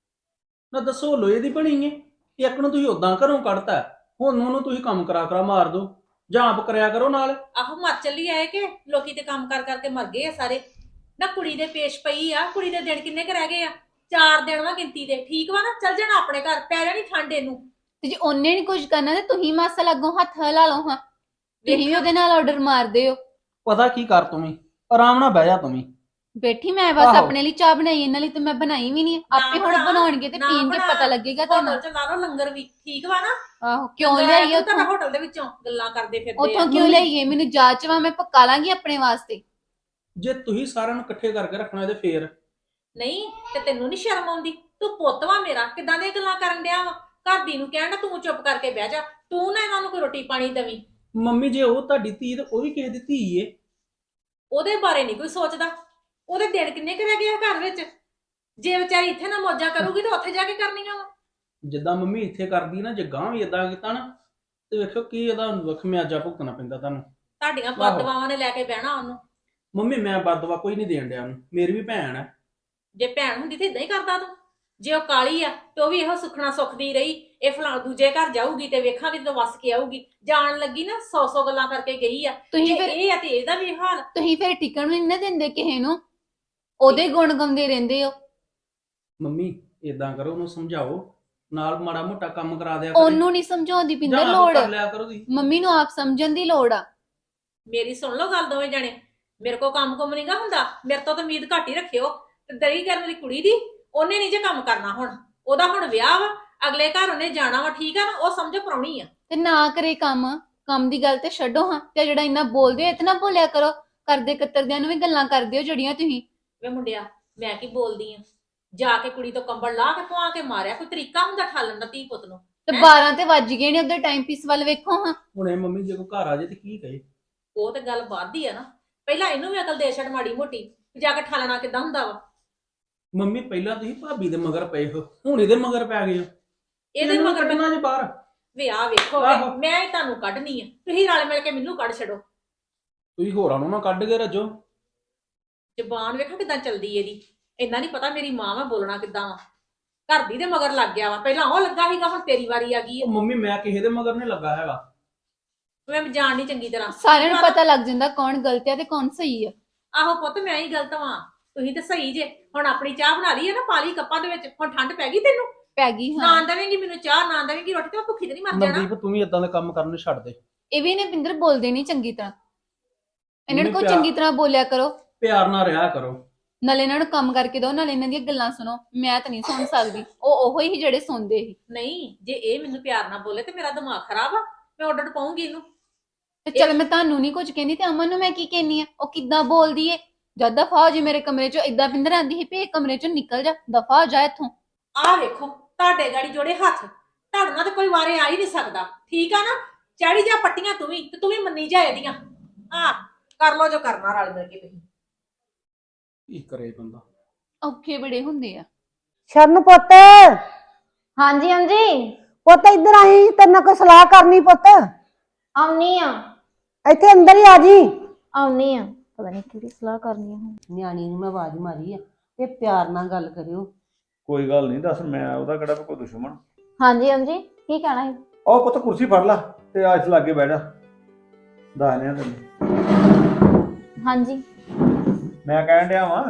ਨਾ ਦੱਸੋ ਲੋਹੇ ਦੀ ਬਣੀ ਏ, ਇੱਕ ਨੂੰ ਤੁਸੀਂ ਉਦਾਂ ਘਰੋਂ ਕੱਢਤਾ, ਹੁਣ ਉਹਨੂੰ ਤੁਸੀਂ ਕੰਮ ਕਰਾ ਮਾਰ ਦੋ, ਜਾਂ ਆਪ ਕਰਿਆ ਕਰੋ ਨਾਲ। ਆਹੋ ਮਰ ਚੱਲੀ ਆਏ ਕਿ ਲੋਕੀ ਤੇ ਕੰਮ ਕਰ ਕਰਕੇ ਮਰ ਗਏ ਆ ਸਾਰੇ। ਨਾ ਕੁੜੀ ਦੇ ਪੇਸ਼ ਪਈ ਆ, ਕੁੜੀ ਦੇ ਦਿਨ ਕਿੰਨੇ ਕੁ ਰਹਿ ਗਏ ਆ? 4 ਦਿਨ ਵਾ ਗਿਣਤੀ ਦੇ। ਠੀਕ ਵਾ ਨਾ? ਚੱਲ ਜਾਣਾ ਆਪਣੇ ਘਰ, ਪੈ ਜਾਣੀ ਠੰਡ ਇਹਨੂੰ। ਤੇ ਜੇ ਉਹਨੇ ਨਹੀਂ ਕੁਝ ਕਰਨਾ ਤੇ ਤੁਸੀਂ ਮਾਸਾ ਲੱਗੋ ਹੱਥ ਹਿਲਾ ਲਓ ਹਾਂ। ਤੁਸੀਂ ਵੀ ਉਹਦੇ ਨਾਲ ਆਰਡਰ ਮਾਰਦੇ ਹੋ। ਪਤਾ ਕੀ ਕਰ ਤੂੰ ਵੀ, ਆਰਾਮ ਨਾਲ ਬਹਿ ਜਾ ਤੂੰ ਵੀ। ਬੈਠੀ ਮੈਂ ਬਸ ਆਹੋ। ਆਪਣੇ ਲਈ ਚਾਹ ਬਣਾਈ, ਇਹਨਾਂ ਲਈ ਤੇ ਮੈਂ ਬਣਾਈ ਵੀ ਨਹੀਂ। ਆਪੇ ਹੁਣ ਬਣਾ, ਬਣਾਉਣਗੇ ਤੇ ਨਾ ਪੀਣਗੇ, ਬਣਾ। ਪਤਾ ਲੱਗੇਗਾ ਤੁਹਾਨੂੰ। ਹੋਟਲ ਚ ਲਾ ਲਓ ਲੰਗਰ ਵੀ। ਠੀਕ ਵਾ ਨਾ? ਆਹੋ ਕਿਉਂ ਲੈ ਲਿਆਈਏ ਤੂੰ ਉੱਥੋਂ? ਤਾਂ ਹੋਟਲ ਦੇ ਵਿੱਚੋਂ ਗੱਲਾਂ ਕਰਦੇ ਫਿਰਦੇ ਉੱਥੋਂ ਕਿਉਂ ਲਿਆਈਏ? ਮੈਨੂੰ ਜਾਚ ਵਾ, ਮੈਂ ਪਕਾ ਲਾਂਗੀ ਆਪਣੇ ਵਾਸਤੇ। ਜੇ ਤੁਸੀਂ ਸਾਰਿਆਂ ਨੂੰ ਇਕੱਠੇ ਕਰਕੇ ਰੱਖਣਾ ਇਹਦੇ ਫੇਰ। ਨਹੀਂ ਤੇ ਤੈਨੂੰ ਨਹੀਂ ਸ਼ਰਮ ਆਉਂਦੀ? ਤੂੰ ਪੁੱਤ ਵਾ ਮੇਰਾ, ਕਿੱਦਾਂ ਦੀਆਂ ਗੱਲਾਂ ਕਰਨ ਡਿਆ ਵਾ? ਘਰ ਦੀ ਨੂੰ ਕਹਿਣ ਤੂੰ ਚੁੱਪ ਕਰਕੇ ਬਹਿ ਜਾ। ਤੂੰ ਨਾ ਇਹਨਾਂ ਨੂੰ ਕੋਈ ਰੋਟੀ ਪਾਣੀ ਦੇਵੀਂ। ਮੰਮੀ ਜੇ ਉਹ ਤੁਹਾਡੀ ਧੀ ਤੇ ਉਹ ਵੀ ਕਿਸੇ ਦੀ ਧੀ ਏ। ਉਹਦੇ ਬਾਰੇ ਨਹੀਂ ਕੋਈ ਸੋਚਦਾ। ਉਹਦੇ ਦਿਨ ਕਿੰਨੇ ਕੁ ਰਹਿ ਗਏ ਆ ਘਰ ਵਿੱਚ? ਜੇ ਵਿਚਾਰੀ ਇੱਥੇ ਨਾ ਮੌਜਾਂ ਕਰੂਗੀ ਤਾਂ ਉੱਥੇ ਜਾ ਕੇ ਕਰਨੀਆਂ ਵਾ। ਜਿੱਦਾਂ ਮੰਮੀ ਇੱਥੇ ਕਰਦੀ ਨਾ, ਜੇ ਗਾਂ ਵੀ ਇਦਾਂ ਕੀਤਾ ਨਾ ਤੇ ਵੇਖੋ ਕੀ ਇਹਦਾ ਖਮਿਆਜਾ ਭੁਗਤਣਾ ਪੈਂਦਾ ਤੁਹਾਨੂੰ। ਤੁਹਾਡੀਆਂ ਆਹੋ। ਬਦਦੁਆਵਾਂ ਨੇ ਲੈ ਕੇ ਬਹਿਣਾ ਉਹਨੂੰ। ਮੰਮੀ ਮੈਂ ਬਦਦੁਆ ਕੋਈ ਨਹੀਂ ਦੇਣ ਡਿਆ ਉਹਨੂੰ, ਮੇਰੀ ਵੀ ਭੈਣ ਹੈ। ਜੇ ਭੈਣ ਹੁੰਦੀ ਤੇ ਇਦਾਂ ਹੀ ਕਰਦਾ ਤੂੰ। ਜੇ ਉਹ ਕਾਲੀ ਆ ਤੇ ਉਹ ਵੀ ਇਹੋ ਸੁਖਣਾ ਸੁਖਦੀ ਰਹੀ। ਇਹ ਫਲਾਂ ਦੂਜੇ ਘਰ ਜਾਊਗੀ ਤੇ ਵੇਖਾਂਗੇ ਜਦੋਂ ਵਸ ਕੇ ਆਊਗੀ। ਜਾਣ ਲੱਗੀ ਨਾ 100 ਗੱਲਾਂ ਕਰਕੇ ਗਈ ਆ। ਤੁਸੀਂ ਜੇ ਫਿਰ ਇਹ ਆ ਤੇ ਇਹਦਾ ਵੀ ਹਾਲ। ਤੁਸੀਂ ਫਿਰ ਟਿਕਣ ਵੀ ਨਹੀਂ ਨਾ ਦਿੰਦੇ ਕਿਸੇ ਨੂੰ, ਉਹਦੇ ਗੁਣ ਗਾਉਂਦੇ ਰਹਿੰਦੇ ਹੋ। ਮੰਮੀ ਇਦਾਂ ਕਰੋ, ਉਹਨੂੰ ਸਮਝਾਓ, ਨਾਲ ਮਾੜਾ ਮੋਟਾ ਕੰਮ ਕਰਾ ਦਿਆ ਕਰੇ। ਉਹਨੂੰ ਨਹੀਂ ਸਮਝਾਉਂਦੀ ਪਿੰਦਰ ਜਾਂ ਆਪ ਲੋੜ, ਕਰ ਲਿਆ ਕਰੋ ਤੁਸੀਂ। ਮੰਮੀ ਨੂੰ ਆਪ ਸਮਝਣ ਦੀ ਲੋੜ ਆ। ਮੇਰੀ ਸੁਣ ਲਓ ਗੱਲ ਦੋਵੇਂ ਜਣੇ। ਮੇਰੇ ਕੋ ਕੰਮ ਕੁਮ ਨਹੀਂਗਾ ਹੁੰਦਾ, ਮੇਰੇ ਤੋਂ ਤਾਂ ਉਮੀਦ ਘੱਟ ਹੀ ਰੱਖਿਓ। ਤੇ ਦਰੀ ਕਰਨ ਵਾਲੀ ਕੁੜੀ ਦੀ ਉਹਨੇ ਨਹੀਂ ਜੇ ਕੰਮ ਕਰਨਾ, ਹੁਣ ਉਹਦਾ ਹੁਣ ਵਿਆਹ ਵਾ, ਅਗਲੇ ਘਰ ਉਹਨੇ ਜਾਣਾ ਵਾ, ਠੀਕ ਆ ਨਾ, ਉਹ ਸਮਝੋ ਪ੍ਰਾਹੁਣੀ ਆ। ਤੇ ਨਾ ਕਰੇ ਕੰਮ ਦੀ ਗੱਲ ਤੇ ਛੱਡੋ ਹਾਂ, ਤੇ ਜਿਹੜਾ ਇੰਨਾ ਬੋਲਦੇ ਹੋ ਇਤਨਾ ਬੋਲਿਆ ਕਰੋ। ਕਰਦੇ ਕਤਰਦਿਆਂ ਨੂੰ ਵੀ ਗੱਲਾਂ ਕਰਦੇ ਹੋ ਜਿਹੜੀਆਂ ਤੁਸੀਂ। ਵੇ ਮੁੰਡਿਆ, ਮੈਂ ਕੀ ਬੋਲਦੀ ਆ? ਜਾ ਕੇ ਕੁੜੀ ਤੋਂ ਕੰਬਲ ਲਾ ਕੇ ਪਵਾ ਕੇ ਮਾਰਿਆ, ਕੋਈ ਤਰੀਕਾ ਹੁੰਦਾ ਠਾਲਣ ਦਾ ਧੀ ਪੁੱਤ ਨੂੰ? ਤੇ 12 ਤੇ ਵੱਜ ਗਏ ਨੇ, ਉਧਰ ਟਾਈਮ ਪੀਸ ਵੱਲ ਵੇਖੋ ਹਾਂ। ਹੁਣ ਇਹ ਮੰਮੀ ਜੇ ਕੋਈ ਘਰ ਆ ਜੇ ਤੇ ਕੀ ਕਹੇ? ਉਹ ਤੇ ਗੱਲ ਵੱਧਦੀ ਆ ਨਾ, ਪਹਿਲਾਂ ਇਹਨੂੰ ਵੀ ਅਕਲ ਦੇ ਛੱਡ ਮਾੜੀ ਮੋਟੀ, ਵੀ ਜਾ ਕੇ ਠਾਲਣਾ ਕਿੱਦਾਂ ਹੁੰਦਾ ਵਾ। ਮੰਮੀ ਪਹਿਲਾਂ ਤੁਸੀਂ ਭਾਬੀ ਦੇ ਮਗਰ ਪਏ ਹੋ, ਹੁਣ ਇਹਦੇ ਮਗਰ ਪੈ ਗਏ ਹੋ। ਇਹਦੇ ਇਹਨੂੰ ਮਗਰ ਕੱਢਣਾ ਜੇ ਬਾਹਰ। ਵੇ ਆ ਵੇਖੋ ਵੇ, ਆਹੋ। ਮੈਂ ਹੀ ਤੁਹਾਨੂੰ ਕੱਢਣੀ ਆ, ਤੁਸੀਂ ਰਲ ਮਿਲ ਕੇ ਮੈਨੂੰ ਕੱਢ ਛੱਡੋ। ਤੁਸੀਂ ਹੋਰਾਂ ਨੂੰ ਨਾ ਕੱਢ ਕੇ ਰੱਜੋ। ਜ਼ਬਾਨ ਵੇਖੋ ਕਿਦਾਂ ਚੱਲਦੀ ਇਹਦੀ, ਇੰਨਾ ਨਹੀਂ ਪਤਾ ਮੇਰੀ ਮਾਂ ਵਾ ਬੋਲਣਾ ਕਿੱਦਾਂ ਵਾ। ਘਰ ਦੀ ਦੇ ਮਗਰ ਲੱਗ ਗਿਆ ਵਾ, ਪਹਿਲਾਂ ਉਹ ਲੱਗਾ ਸੀਗਾ, ਹੁਣ ਤੇਰੀ ਵਾਰੀ ਆ ਗਈ ਆ। ਉਹ ਮੰਮੀ ਮੈਂ ਕਿਸੇ ਦੇ ਮਗਰ ਨਹੀਂ ਲੱਗਾ ਹੈਗਾ। ਮੈਂ ਜਾਣ ਨਹੀਂ ਚੰਗੀ ਤਰ੍ਹਾਂ। ਸਾਰਿਆਂ ਨੂੰ ਪਤਾ ਲੱਗ ਜਾਂਦਾ ਕੌਣ ਗਲਤ ਹੈ ਤੇ ਕੌਣ ਸਹੀ ਹੈ। ਆਹੋ ਪੁੱਤ, ਮੈਂ ਹੀ ਗਲਤ ਵਾਂ, ਤੁਸੀਂ ਤੇ ਸਹੀ ਜੇ। ਹੁਣ ਆਪਣੀ ਚਾਹ ਬਣਾ ਲਈ ਹੈ ਨਾ, ਪਾ ਲਈ ਕੱਪਾਂ ਦੇ ਵਿੱਚ, ਹੁਣ ਠੰਡ ਪੈ ਗਈ ਤੈਨੂੰ। ਪੈ ਗਈ ਨਾ ਹਾਂ। ਦੇਵੇਂਗੀ ਮੈਨੂੰ ਚਾਹ, ਨਾ ਦੇਵੇਂਗੀ ਰੋਟੀ, ਤੇ ਮੈਂ ਭੁੱਖੀ ਤੇ ਨਹੀਂ ਮਰ ਜਾਣਾ। ਮਨਦੀਪ ਤੂੰ ਵੀ ਇਦਾਂ ਦੇ ਕੰਮ ਕਰਨ ਨੂੰ ਛੱਡ ਦੇ। ਇਹ ਵੀ ਨੇ ਪਿੰਦਰ ਬੋਲਦੇ ਨਹੀਂ ਚੰਗੀ ਤਰ੍ਹਾਂ, ਇਹਨਾਂ ਨੂੰ ਮੰਮੀ ਕੋਈ ਚੰਗੀ ਤਰ੍ਹਾਂ ਬੋਲਿਆ ਕਰੋ। ਪਿਆਰ ਨਾਲ ਰਿਹਾ ਕਰੋ। ਨਾਲੇ ਇਹਨਾਂ ਨੂੰ ਕੰਮ ਕਰਕੇ ਦਿਓ, ਨਾਲੇ ਇਹਨਾਂ ਦੀਆਂ ਗੱਲਾਂ ਸੁਣੋ। ਮੈਂ ਤਾਂ ਨਹੀਂ ਸੁਣ ਸਕਦੀ, ਉਹ ਉਹੋ ਹੀ ਜਿਹੜੇ ਸੁਣਦੇ ਸੀ। ਨਹੀਂ, ਜੇ ਇਹ ਮੈਨੂੰ ਪਿਆਰ ਨਾਲ ਬੋਲੇ ਤੇ ਮੇਰਾ ਦਿਮਾਗ ਖਰਾਬ ਆ, ਮੈਂ ਆਰਡਰ ਪਾਉਂਗੀ ਇਹਨੂੰ। ਤੇ ਚਲ ਮੈਂ ਤੁਹਾਨੂੰ ਨਹੀਂ ਕੁਝ ਕਹਿੰਦੀ, ਤੇ ਅਮਨ ਨੂੰ ਮੈਂ ਕੀ ਕਹਿੰਨੀ ਆ? ਉਹ ਕਿੱਦਾਂ ਬੋਲਦੀ ਏ। ਜਦ ਦਫਾ ਹੋ ਜੀ ਮੇਰੇ ਕਮਰੇ ਚੋਂ। ਇਦਾਂ ਪਿੰਦਰ ਆਂਦੀ ਸੀ ਵੀ ਇਹ ਕਮਰੇ ਚੋਂ ਨਿਕਲ ਜਾ, ਦਫਾ ਹੋ ਜਾ ਇੱਥੋਂ। ਆਹ ਵੇਖੋ, ਤੁਹਾਡੇ ਗਾੜੀ ਜੋੜੇ ਹੱਥ, ਤੁਹਾਡੇ ਨਾਲ ਤੇ ਕੋਈ ਵਾਰੇ ਆ ਹੀ ਨਹੀਂ ਸਕਦਾ, ਠੀਕ ਆ ਨਾ? ਚਾੜੀ ਜਾ ਪੱਟੀਆਂ ਤੂੰ ਵੀ, ਤੇ ਤੂੰ ਵੀ ਮੰਨੀ ਜਾ ਇਹਦੀਆਂ। ਆ ਕਰ ਲੋ ਜੋ ਕਰਨਾ ਰਲ ਮਿਲ ਕੇ ਤੁਸੀਂ। ਕੀ ਕਰੇ ਬੰਦਾ। ਔਖੇ ਬੜੇ ਹੁੰਦੇ ਆ। ਸ਼ਰਨ ਪੁੱਤ, ਹਾਂਜੀ ਹਾਂਜੀ ਪੁੱਤ ਇੱਧਰ ਆਈ, ਤੇਰੇ ਨਾਲ ਕੋਈ ਸਲਾਹ ਕਰਨੀ ਪੁੱਤ। ਆਉਣੀ ਆ ਇੱਥੇ ਅੰਦਰ ਹੀ ਆ ਜੀ। ਆਉਣੀ ਆ, ਪਤਾ ਨਹੀਂ ਕਿਹੜੀ ਸਲਾਹ ਕਰਨੀ ਆ ਹੁਣ। ਨਿਆਣੀ ਨੂੰ ਮੈਂ ਆਵਾਜ਼ ਮਾਰੀ ਆ, ਤੇ ਪਿਆਰ ਨਾਲ ਗੱਲ ਕਰਿਓ। ਕੋਈ ਗੱਲ ਨਹੀਂ, ਦੱਸ ਮੈਂ ਉਹਦਾ ਕਿਹੜਾ ਕੋਈ ਦੁਸ਼ਮਣ। ਹਾਂਜੀ ਹਾਂਜੀ, ਕੀ ਕਹਿਣਾ ਹੈ? ਉਹ ਪੁੱਤ ਕੁਰਸੀ ਫੜ ਲਾ ਤੇ ਆ ਇਸ ਲਾਗੇ ਬਹਿ ਜਾ, ਦੱਸਦੇ ਆ ਤੈਨੂੰ। ਹਾਂਜੀ ਮੈਂ ਕਹਿਣ ਡਿਆ ਵਾਂ,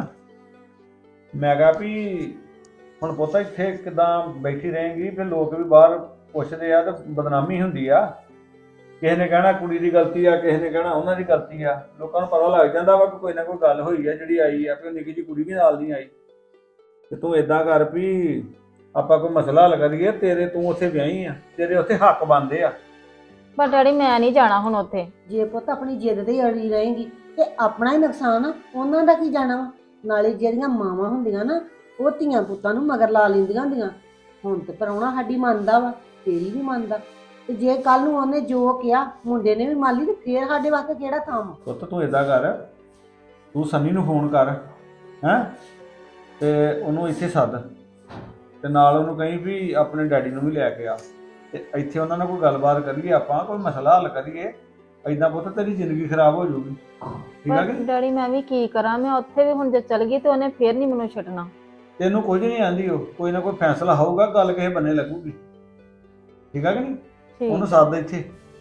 ਮੈਂ ਕਿਹਾ ਵੀ ਹੁਣ ਪੁੱਤ ਇੱਥੇ ਕਿਦਾਂ ਬੈਠੀ ਰਹੇਂਗੀ, ਫਿਰ ਲੋਕ ਵੀ ਬਾਹਰ ਪੁੱਛਦੇ ਆ ਤੇ ਬਦਨਾਮੀ ਹੁੰਦੀ ਆ। ਕਿਸੇ ਨੇ ਕਹਿਣਾ ਕੁੜੀ ਦੀ ਗਲਤੀ ਆ, ਕਿਸੇ ਨੇ ਕਹਿਣਾ ਉਹਨਾਂ ਦੀ ਗਲਤੀ ਆ। ਲੋਕਾਂ ਨੂੰ ਪਤਾ ਲੱਗ ਜਾਂਦਾ ਵਾ ਕਿ ਕੋਈ ਨਾ ਕੋਈ ਗੱਲ ਹੋਈ ਆ ਜਿਹੜੀ ਆਈ ਆ, ਵੀ ਨਿੱਕੀ ਜਿਹੀ ਕੁੜੀ ਵੀ ਨਾਲ ਨਹੀਂ ਆਈ। ਤੇ ਤੂੰ ਏਦਾਂ ਕਰ ਵੀ ਆਪਾਂ ਕੋਈ ਮਸਲਾ ਹੱਲ ਕਰੀਏ, ਤੇਰੇ ਤੂੰ ਉੱਥੇ ਵਿਆਹੀ ਆ, ਤੇਰੇ ਉੱਥੇ ਹੱਕ ਬਣਦੇ ਆ। ਪਰ ਡੈਡੀ ਮੈਂ ਨਹੀਂ ਜਾਣਾ ਹੁਣ ਉੱਥੇ। ਜੇ ਪੁੱਤ ਆਪਣੀ ਜਿੱਦ ਤੇ ਅੜੀ ਰਹੇਗੀ ਤੇ ਆਪਣਾ ਹੀ ਨੁਕਸਾਨ ਆ, ਉਹਨਾਂ ਦਾ ਕੀ ਜਾਣਾ ਵਾ। ਨਾਲੇ ਜਿਹੜੀਆਂ ਮਾਵਾਂ ਹੁੰਦੀਆਂ ਨਾ, ਉਹ ਧੀਆਂ ਪੁੱਤਾਂ ਨੂੰ ਮਗਰ ਲਾ ਲੈਂਦੀਆਂ ਹੁੰਦੀਆਂ। ਹੁਣ ਤੇ ਪ੍ਰਾਹੁਣਾ ਸਾਡੀ ਮੰਨਦਾ ਵਾ, ਤੇਰੀ ਵੀ ਮੰਨਦਾ, ਤੇ ਜੇ ਕੱਲ ਨੂੰ ਉਹਨੇ ਜੋ ਕਿਹਾ ਮੁੰਡੇ ਨੇ ਵੀ ਮੰਨ ਲਈ, ਤੇ ਫੇਰ ਸਾਡੇ ਵਾਸਤੇ ਕਿਹੜਾ ਥਾਂ ਵਾ। ਪੁੱਤ ਤੂੰ ਏਦਾਂ ਕਰ, ਤੂੰ ਸੰਨੀ ਨੂੰ ਫੋਨ ਕਰ ਹੈਂ, ਤੇ ਉਹਨੂੰ ਇੱਥੇ ਸੱਦ, ਤੇ ਨਾਲ ਉਹਨੂੰ ਕਹੀਂ ਵੀ ਆਪਣੇ ਡੈਡੀ ਨੂੰ ਵੀ ਲੈ ਕੇ ਆ, ਤੇ ਇੱਥੇ ਉਹਨਾਂ ਨਾਲ ਕੋਈ ਗੱਲਬਾਤ ਕਰੀਏ, ਆਪਾਂ ਕੋਈ ਮਸਲਾ ਹੱਲ ਕਰੀਏ। ਏਦਾਂ ਪੁੱਤ ਤੇਰੀ ਜ਼ਿੰਦਗੀ ਖਰਾਬ ਹੋ ਜਾਊਗੀ, ਠੀਕ ਆ ਕਿ ਨਹੀਂ? ਡੈਡੀ ਮੈਂ ਵੀ ਕੀ ਕਰਾਂ, ਮੈਂ ਉੱਥੇ ਵੀ ਹੁਣ ਜੇ ਚਲ ਗਈ ਤੇ ਉਹਨੇ ਫੇਰ ਨਹੀਂ ਮੈਨੂੰ ਛੱਡਣਾ। ਤੈਨੂੰ ਕੁਝ ਨਹੀਂ ਆਂਦੀ, ਉਹ ਕੋਈ ਨਾ ਕੋਈ ਫੈਸਲਾ ਹੋਊਗਾ, ਗੱਲ ਕਿਸੇ ਬੰਨੇ ਲੱਗੂਗੀ, ਠੀਕ ਆ ਕਿ ਨਹੀਂ? ਉਹਨੂੰ ਸੱਦ ਇੱਥੇ,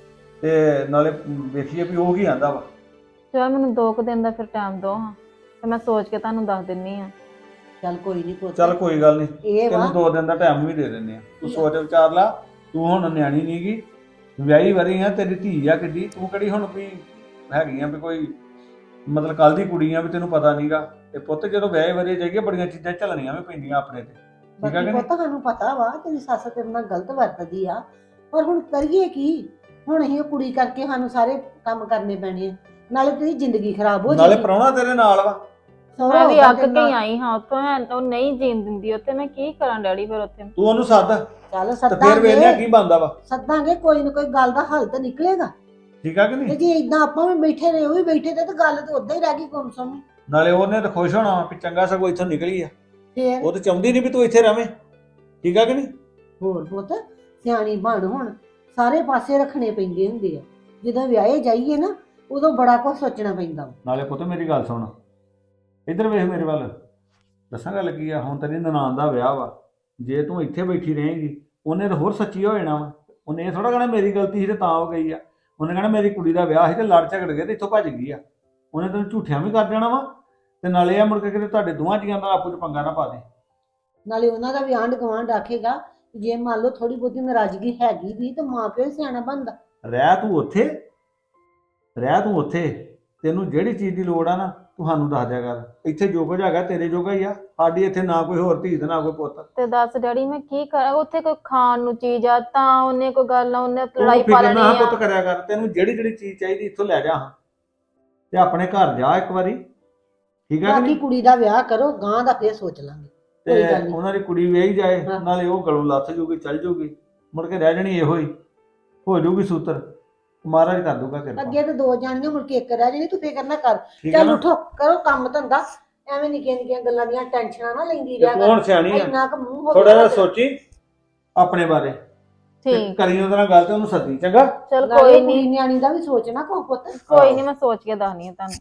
ਤੇ ਨਾਲੇ ਵੇਖੀਏ ਵੀ ਉਹ ਕੀ ਆਂਦਾ ਵਾ। ਚਲ ਮੈਨੂੰ 2 ਦਿਨ ਦਾ ਫਿਰ ਟਾਈਮ ਦਿਓ ਹਾਂ, ਤੇ ਮੈਂ ਸੋਚ ਕੇ ਤੁਹਾਨੂੰ ਦੱਸ ਦਿੰਨੀ ਆ। ਚੱਲ ਕੋਈ ਨਹੀਂ ਪੁੱਤ, ਚੱਲ ਕੋਈ ਗੱਲ ਨਹੀਂ, ਇਹ ਵਾ ਤੈਨੂੰ 2 ਦਿਨ ਦਾ ਟਾਈਮ ਵੀ ਦੇ ਦਿੰਦੇ ਆ। ਤੂੰ ਸੋਚ ਵਿਚਾਰ ਲਾ, ਤੂੰ ਹੁਣ ਨਿਆਣੀ ਨੀ ਗੀ, ਵਿਆਹੀ ਵਰੀ ਆ, ਤੇਰੀ ਧੀ ਆ ਕਿੱਡੀ, ਤੂੰ ਕਿਹੜੀ ਹੁਣ ਵੀ ਹੈਗੀ ਆ ਵੀ ਕੋਈ ਮਤਲਬ ਕੱਲ ਦੀ ਕੁੜੀ ਆ ਵੀ ਤੈਨੂੰ ਪਤਾ ਨਹੀਂਗਾ। ਤੇ ਪੁੱਤ ਜਦੋਂ ਵਿਆਹੇ ਵਰੇ ਜਾਈਏ ਬੜੀਆਂ ਚੀਜ਼ਾਂ ਝੱਲਣੀਆਂ ਵੀ ਪੈਂਦੀਆਂ ਆਪਣੇ ਤੇ, ਠੀਕ ਆ ਕਿ ਬਾਕੀ ਨਹੀਂ? ਪੁੱਤ ਸਾਨੂੰ ਪਤਾ ਵਾ ਤੇਰੀ ਸੱਸ ਤੇਰੇ ਨਾਲ ਗਲਤ ਵਰਤਦੀ ਆ, ਪਰ ਹੁਣ ਕਰੀਏ ਕੀ? ਹੁਣ ਅਸੀਂ ਉਹ ਕੁੜੀ ਕਰਕੇ ਸਾਨੂੰ ਸਾਰੇ ਕੰਮ ਕਰਨੇ ਪੈਣੇ ਆ, ਨਾਲੇ ਤੇਰੀ ਜ਼ਿੰਦਗੀ ਖਰਾਬ ਹੋ ਨਾਲੇ ਜਾਏਗੀ। ਪ੍ਰਾਹੁਣਾ ਤੇਰੇ ਨਾਲ ਵਾ। ਸਹੁਰਾ ਮੈਂ ਵੀ ਹੋਊਗਾ ਅੱਕ ਤੇਰੇ ਕੇ ਨਾਲ। ਆਈ ਹਾਂ ਉੱਥੋਂ, ਉਹ ਨਹੀਂ ਜੀਣ ਦਿੰਦੀ ਉੱਥੇ, ਮੈਂ ਕੀ ਕਰਾਂ ਡੈਡੀ ਫਿਰ ਉੱਥੇ। ਤੂੰ ਉਹਨੂੰ ਸੱਦ ਚੱਲ ਤੇ ਫਿਰ ਵੇਖਿਆ ਸੱਦਾਂਗੇ ਕੀ ਬਣਦਾ ਵਾ, ਸੱਦਾਂਗੇ, ਕੋਈ ਨਾ ਕੋਈ ਗੱਲ ਦਾ ਹੱਲ ਤਾਂ ਨਿਕਲੇਗਾ। ਠੀਕ ਆ ਕਿ ਤੇ ਨਹੀਂ? ਜੇ ਇਦਾਂ ਆਪਾਂ ਵੀ ਬੈਠੇ ਰਹੇ, ਉਹ ਵੀ ਬੈਠੇ ਤੇ ਗੱਲ ਤਾਂ ਉਦਾਂ ਹੀ ਰਹਿ ਗਈ ਗੁੰਮਸੁੰਮ। ਨਾਲੇ ਉਹਨੇ ਤਾਂ ਖੁਸ਼ ਹੋਣਾ ਵਾ ਵੀ ਚੰਗਾ ਸਗੋਂ ਇੱਥੋਂ ਨਿਕਲੀ ਆ, ਫੇਰ ਉਹ ਤਾਂ ਚਾਹੁੰਦੀ ਨਹੀਂ ਵੀ ਤੂੰ ਇੱਥੇ ਰਵੇਂ, ਠੀਕ ਆ ਕਿ ਨਹੀਂ? ਹੋਰ ਪੁੱਤ ਸਿਆਣੀ ਬਣ, ਹੁਣ ਸਾਰੇ ਪਾਸੇ ਰੱਖਣੇ ਪੈਂਦੇ ਹੁੰਦੇ ਆ। ਜਦੋਂ ਵਿਆਹੇ ਜਾਈਏ ਨਾ, ਉਦੋਂ ਬੜਾ ਕੁਝ ਸੋਚਣਾ ਪੈਂਦਾ ਵਾ। ਨਾਲੇ ਪੁੱਤ ਮੇਰੀ ਗੱਲ ਸੁਣ, ਇੱਧਰ ਵੇਖ ਮੇਰੇ ਵੱਲ, ਦੱਸਾਂ ਗੱਲ ਕੀ ਆ। ਹੁਣ ਤੇਰੀ ਨਨਾਣ ਦਾ ਵਿਆਹ ਵਾ, ਜੇ ਤੂੰ ਇੱਥੇ ਬੈਠੀ ਰਹੇਂਗੀ ਉਹਨੇ ਤਾਂ ਹੋਰ ਸੱਚੀ ਹੋ ਜਾਣਾ ਵਾ। ਉਹਨੇ ਇਹ ਥੋੜਾ ਕਹਿਣਾ ਮੇਰੀ ਗਲਤੀ ਸੀ ਤੇ ਤਾਂ ਹੋ ਗਈ ਆ, ਉਹਨੇ ਕਹਿਣਾ ਮੇਰੀ ਕੁੜੀ ਦਾ ਵਿਆਹ ਸੀ ਤੇ ਲੜ ਝਗੜ ਗਏ ਤੇ ਇੱਥੋਂ ਭੱਜ ਗਈ ਆ। ਉਹਨੇ ਤੈਨੂੰ ਝੂਠਿਆਂ ਵੀ ਕਰ ਦੇਣਾ ਵਾ, ਤੇ ਨਾਲੇ ਆ ਮੁੜ ਕੇ ਕਿਤੇ ਤੁਹਾਡੇ ਦੋਵਾਂ ਜੀਆਂ ਦਾ ਆਪੋ ਚ ਪੰਗਾ ਨਾ ਪਾ ਦੇ। ਨਾਲੇ ਉਹਨਾਂ ਦਾ ਵੀ ਆਂਢ ਗੁਆਂਢ ਆਖੇਗਾ, ਜੇ ਮੰਨ ਲਓ ਥੋੜੀ ਬਹੁਤੀ ਨਾਰਾਜ਼ਗੀ ਹੈਗੀ ਵੀ, ਤਾਂ ਮਾਂ ਪਿਓ ਹੀ ਸਿਆਣਾ ਬਣਦਾ। ਰਹਿ ਤੂੰ ਉੱਥੇ, ਰਹਿ ਤੂੰ ਉੱਥੇ, ਤੈਨੂੰ ਜਿਹੜੀ ਚੀਜ਼ ਦੀ ਲੋੜ ਆ ਨਾ ਤੂੰ ਸਾਨੂੰ ਦੱਸ ਦਿਆ ਕਰ। ਇੱਥੇ ਜੋ ਕੁਝ ਹੈਗਾ ਤੇਰੇ ਜੋਗਾ ਹੀ ਆ, ਸਾਡੀ ਇੱਥੇ ਨਾ ਕੋਈ ਹੋਰ ਧੀ ਤੇ ਨਾ ਕੋਈ ਪੁੱਤ। ਤੇ ਦੱਸ ਡੈਡੀ ਮੈਂ ਕੀ ਕਰਾਂ, ਉੱਥੇ ਕੋਈ ਖਾਣ ਨੂੰ ਚੀਜ਼ ਆ ਤਾਂ ਉਹਨੇ ਕੋਈ ਗੱਲ ਨਾ ਉਹਨੇ ਤੂੰ ਲੜਾਈ ਪਾ ਫਿਕਰ ਲੈਣੀ ਨਾ ਆ। ਪੁੱਤ ਕਰਿਆ ਕਰ, ਤੈਨੂੰ ਜਿਹੜੀ ਜਿਹੜੀ ਚੀਜ਼ ਚਾਹੀਦੀ ਇੱਥੋਂ ਲੈ ਜਾ ਹਾਂ ਤੇ ਆਪਣੇ ਘਰ ਜਾ ਇੱਕ ਵਾਰੀ, ਠੀਕ ਆ ਕਿ ਬਾਕੀ ਨਹੀਂ? ਕੁੜੀ ਦਾ ਵਿਆਹ ਕਰੋ, ਗਾਂ ਦਾ ਫੇਰ ਸੋਚ ਲਾਂਗੇ। ਕੋਈ ਗੱਲ ਤੇ ਨਹੀਂ। ਉਹਨਾਂ ਦੀ ਕੁੜੀ ਵਿਆਹੀ ਜਾਏ, ਹਾਂ। ਨਾਲੇ ਉਹ ਗਲੋਂ ਲੱਥ ਜੂਗੀ, ਚੱਲ ਜੂਗੀ, ਮੁੜ ਕੇ ਰਹਿ ਜਾਣੀ ਇਹੋ ਹੀ, ਹੋ ਜੂਗੀ ਸੂਤਰ, ਮਹਾਰਾਜ ਕਰ ਦੂਗਾ ਕਿਰਪਾ। ਅੱਗੇ ਤੇ 2 ਜਾਣੀਆਂ ਮੁੜ ਕੇ ਇੱਕ ਰਹਿ ਜਾਣੀ, ਤੂੰ ਫਿਕਰ ਨਾ ਕਰ। ਠੀਕ ਆ ਚੱਲ ਨਾ? ਉਠੋ, ਕਰੋ ਕੰਮ ਧੰਦਾ, ਐਵੇਂ ਨਿੱਕੀਆਂ ਨਿੱਕੀਆਂ ਗੱਲਾਂ ਦੀਆਂ ਟੈਨਸ਼ਨਾਂ ਨਾ ਲੈਂਦੀ ਤੇ ਰਿਹਾ ਤੂੰ ਹੁਣ ਸਿਆਣੀ ਆ, ਇੰਨਾ ਕੁ ਮੂੰਹ ਹੋ ਥੋੜਾ ਜਿਹਾ ਗਿਆ ਸੋਚੀ ਆਪਣੇ ਬਾਰੇ, ਤੇ ਠੀਕ, ਕਰੀ ਉਹਦੇ ਨਾਲ ਗੱਲ ਤੇ ਉਹਨੂੰ ਸੱਦੀ, ਚੰਗਾ? ਚਲ ਨਾਲੇ ਕੋਈ ਕੁੜੀ ਨਹੀਂ, ਨਿਆਣੀ ਦਾ ਵੀ ਸੋਚਣਾ ਕੋ ਪੁੱਤ। ਕੋਈ ਨਹੀਂ, ਮੈਂ ਸੋਚ ਕੇ ਦੱਸਣੀ ਆ ਤੁਹਾਨੂੰ।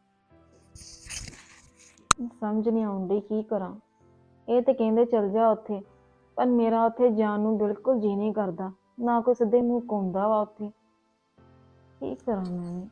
ਸਮਝ ਨਹੀਂ ਆਉਂਦੀ ਕੀ ਕਰਾਂ। ਇਹ ਤੇ ਕਹਿੰਦੇ ਚਲ ਜਾ ਉੱਥੇ, ਪਰ ਮੇਰਾ ਉੱਥੇ ਜਾਣ ਨੂੰ ਬਿਲਕੁਲ ਜੀ ਨਹੀਂ ਕਰਦਾ, ਨਾ ਕੋਈ ਸਿੱਧੇ ਮੂੰਹ ਘੁੰਮਦਾ ਵਾ ਉੱਥੇ। ਕੀ ਕਰਾਂ ਮੈਂ?